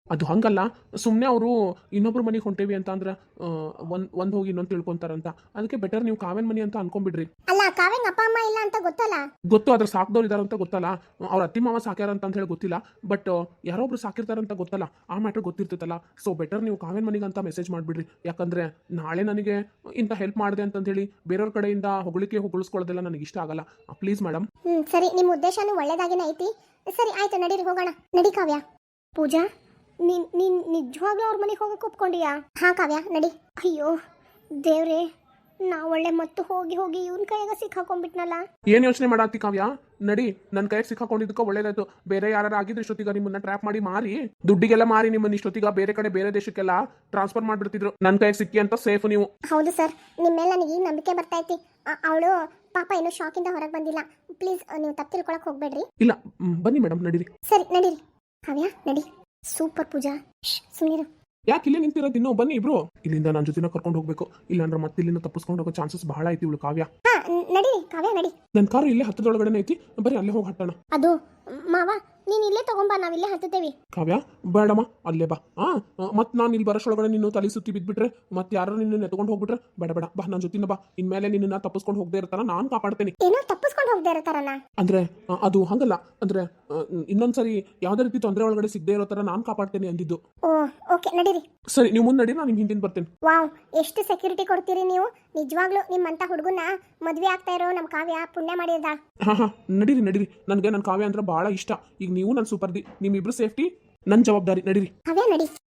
S2: ಅದು ಹಂಗಲ್ಲ, ಸುಮ್ಮನೆ ಅವರು ಇನ್ನೊಬ್ರು ಮನೆಗೆ ಹೊಂಟೇವಿ ಅಂತ ಅಂದ್ರೆ ಒಂದು ಒಂದು ಹೋಗಿ ಇನ್ನೊಂದು ತಿಳ್ಕೊಂತಾರಂತ. ಅದಕ್ಕೆ ಬೆಟರ್ ನೀವು ಕಾವ್ಯನ ಮನೆ ಅಂತ ಅನ್ಕೊಂಡ್ಬಿಡ್ರಿ.
S1: ಅಲ್ಲ ಕಾವ್ಯಂಗ್ ಅಪ್ಪ ಅಮ್ಮ ಇಲ್ಲ ಅಂತ ಗೊತ್ತಲ್ಲ.
S2: ಗೊತ್ತು, ಅದ್ರ ಸಾಕ್ದವ್ರು ಇದಾರೆ ಅಂತ ಗೊತ್ತಲ್ಲ, ಅವ್ರ ಅತ್ತಿ ಮಾವ ಸಾಕ್ಯಾರ ಅಂತ ಹೇಳಿ ಗೊತ್ತಿಲ್ಲ, ಬಟ್ ಯಾರೊಬ್ರು ಸಾಕಿರ್ತಾರಂತ ಗೊತ್ತಲ್ಲ, ಆ ಮ್ಯಾಟ್ರ್ ಗೊತ್ತಿರ್ತೈತಲ್ಲ. ಸೊ ಬೆಟರ್ ನೀವು ಕಾವ್ಯನ ಮನೆಗೆ ಅಂತ ಮೆಸೇಜ್ ಮಾಡಿಬಿಡ್ರಿ. ಯಾಕಂದ್ರೆ ನಾಳೆ ನನಗೆ ಇಂಥ ಹೆಲ್ಪ್ ಮಾಡಿದೆ ಅಂತ ಹೇಳಿ ಬೇರೆಯವ್ರ ಕಡೆಯಿಂದ ಹೊಗಳಿಕೆ ಹೊಗಳಿಸ್ಕೊಳ್ಳೋದೆಲ್ಲ ನನಗೆ ಇಷ್ಟ ಆಗಲ್ಲ. Please madam.
S1: ಹ್ಮ್ ಸರಿ, ನಿಮ್ಮ ಉದ್ದೇಶನೂ ಒಳ್ಳೇದಾಗಿನೇ ಐತಿ. ಸರಿ ಆಯ್ತು, ನಡೀರಿ ಹೋಗೋಣ. ನಡಿ ಕಾವ್ಯ. ಪೂಜಾ, ನೀನ್ ನೀನ್ ನಿಜವಾಗ್ಲೂ ಅವ್ರ ಮನೆಗೆ ಹೋಗಕ್ಕೆ ಒಪ್ಕೊಂಡಿಯಾ? ಹಾ ಕಾವ್ಯ, ನಡಿ. ಅಯ್ಯೋ ದೇವ್ರೇ, ನಾ ಒಳ್ಳೆ ಮತ್ತು ಹೋಗಿ ಹೋಗಿ ಇವನ್ ಕೈಯಾಗ ಸಿಕ್ಕಾಕೊಂಡ್ಬಿಟ್ನಲ್ಲ.
S2: ಏನ್ ಯೋಚನೆ ಮಾಡಾತಿ ಕಾವ್ಯ? ನಡಿ, ನನ್ನ ಕೈಗೆ ಸಿಕ್ಕಾಕೊಂಡಿದ್ದಕ್ಕೆ ಒಳ್ಳೇದಾಯ್ತು. ಬೇರೆ ಯಾರು ಆಗಿದ್ರೆ ಇಷ್ಟೊತ್ತಿಗ ನಿಮ್ಮನ್ನ ಟ್ರ್ಯಾಪ್ ಮಾಡಿ ಮಾರಿ ದುಡ್ಡಿಗೆಲ್ಲ ಮಾರಿ ನಿಮ್ಮನ್ನ ಇಷ್ಟೊತ್ತಿಗ ಬೇರೆ ಕಡೆ ಬೇರೆ ದೇಶಕ್ಕೆಲ್ಲ ಟ್ರಾನ್ಸ್ಫರ್ ಮಾಡ್ಬಿಡ್ತಿದ್ರು. ನನ್ನ ಕೈಗೆ ಸಿಕ್ಕಿ ಅಂತ ಸೇಫ್ ನೀವು.
S1: ಹೌದು ಸರ್, ನಿಮ್ಮ ಮೇಲೆ ನನಗೆ ಈಗ ನಂಬಿಕೆ ಬರ್ತಾ ಐತಿ. ಅವಳು ಪಾಪ ಇನ್ನೂ ಶಾಕಿಂದ ಹೊರಗೆ ಬಂದಿಲ್ಲ. ಪ್ಲೀಸ್ ನೀವು ತಪ್ಪು ತಿಳ್ಕೊಳಕ್ ಹೋಗ್ಬೇಡ್ರಿ.
S2: ಇಲ್ಲ, ಮ್, ಬನ್ನಿ ಮೇಡಮ್, ನಡೀರಿ.
S1: ಸರಿ ನಡೀರಿ. ಕಾವ್ಯ ನಡಿ. ಸೂಪರ್ ಪೂಜಾ. ಸುಮ್ಮನಿರು.
S2: ಯಾಕೆ ಇಲ್ಲೇ ನಿಂತಿರೋದು? ಇನ್ನೂ ಬನ್ನಿ ಇಬ್ರು. ಇಲ್ಲಿಂದ ನನ್ನ ಜೊತೆನ ಕರ್ಕೊಂಡು ಹೋಗ್ಬೇಕು, ಇಲ್ಲಾಂದ್ರೆ ಮತ್ತೆ ಇಲ್ಲಿಂದ ತಪ್ಪಿಸ್ಕೊಂಡು ಹೋಗೋ ಚಾನ್ಸಸ್ ಬಹಳ ಐತಿ ಇವಳು ಕಾವ್ಯ.
S1: ಹಾ ನಡಿ ಕಾವ್ಯ ನಡಿ.
S2: ನನ್ನ ಕಾರು ಇಲ್ಲೇ ಹತ್ತದೊಳಗಡೆ ಐತಿ, ಬರೀ ಅಲ್ಲೇ ಹೋಗಿ ಹಟ್ಟೋಣ.
S1: ಅದು ಮಾವ, ನೀನ್ ಇಲ್ಲೇ ತಗೊಂಬಾ, ನಾವಿಲ್ಲೇ ಹತ್ತುತ್ತೇವಿ.
S2: ಕಾವ್ಯ ಬೇಡಮ್ಮ, ಅಲ್ಲೇ ಬಾ. ಆ ಮತ್ತೆ ನಾನು ಇಲ್ಲಿ ಬರೋಷ್ಟೊಳಗಡೆ ನೀನು ತಲೆ ಸುತ್ತಿ ಬಿದ್ಬಿಟ್ರೆ ಮತ್ತೆ ಯಾರು ನಿನ್ನ ಎತ್ಕೊಂಡು ಹೋಗ್ಬಿಟ್ರೆ ಬೇಡ ಬೇಡ, ಬಾ ನನ್ನ ಜೊತಿನ ಬಾ. ಇನ್ಮೇಲೆ ನಿನ್ನ ತಪ್ಪಿಸ್ಕೊಂಡು ಹೋಗದೆ ಇರ್ತಾರ, ನಾನು ಕಾಪಾಡ್ತೇನೆ.
S1: ಏನೋ ತಪ್ಪಿಸ್ಕೊಂಡು ಹೋಗದೆ ಇರ್ತಾರಲ್ಲ
S2: ಅಂದ್ರೆ ಆ, ಅದು ಹಂಗಲ್ಲ, ಅಂದ್ರೆ ಆ, ಇನ್ನೊಂದ್ಸರಿ ಯಾವ್ದೇ ರೀತಿ ತೊಂದರೆ ಒಳಗಡೆ ಸಿಗದೆ ಇರೋ ತರ ನಾನು ಕಾಪಾಡ್ತೇನೆ ಅಂದಿದ್ದು.
S1: ಓ ಓಕೆ, ನಡೀರಿ.
S2: ಸರಿ, ನೀವು ಮುಂದೆ ನಡಿ, ನಾನು ನಿಮ್ ಹಿಂದಿನ ಬರ್ತೇನೆ.
S1: ವಾವ್, ಎಷ್ಟು ಸೆಕ್ಯೂರಿಟಿ ಕೊಡ್ತೀರಿ ನೀವು. ನಿಜವಾಗ್ಲೂ ನಿಮ್ಮಂತ ಹುಡುಗನ ಮದ್ವೆ ಆಗ್ತಾ ಇರೋ ನಮ್ ಕಾವ್ಯ ಪುಣ್ಯ ಮಾಡಿದ.
S2: ಹಾ ಹಾ ನಡೀರಿ ನಡೀರಿ, ನನಗೆ ನನ್ನ ಕಾವ್ಯ ಅಂದ್ರೆ ಬಹಳ ಇಷ್ಟ. ಈಗ ನೀವು ನನ್ನ ಸೂಪರ್ದಿ, ನಿಮ್ಮಿಬ್ರು ಸೇಫ್ಟಿ ನನ್ನ ಜವಾಬ್ದಾರಿ. ನಡೀರಿ
S1: ಕಾವ್ಯ ನಡಿ.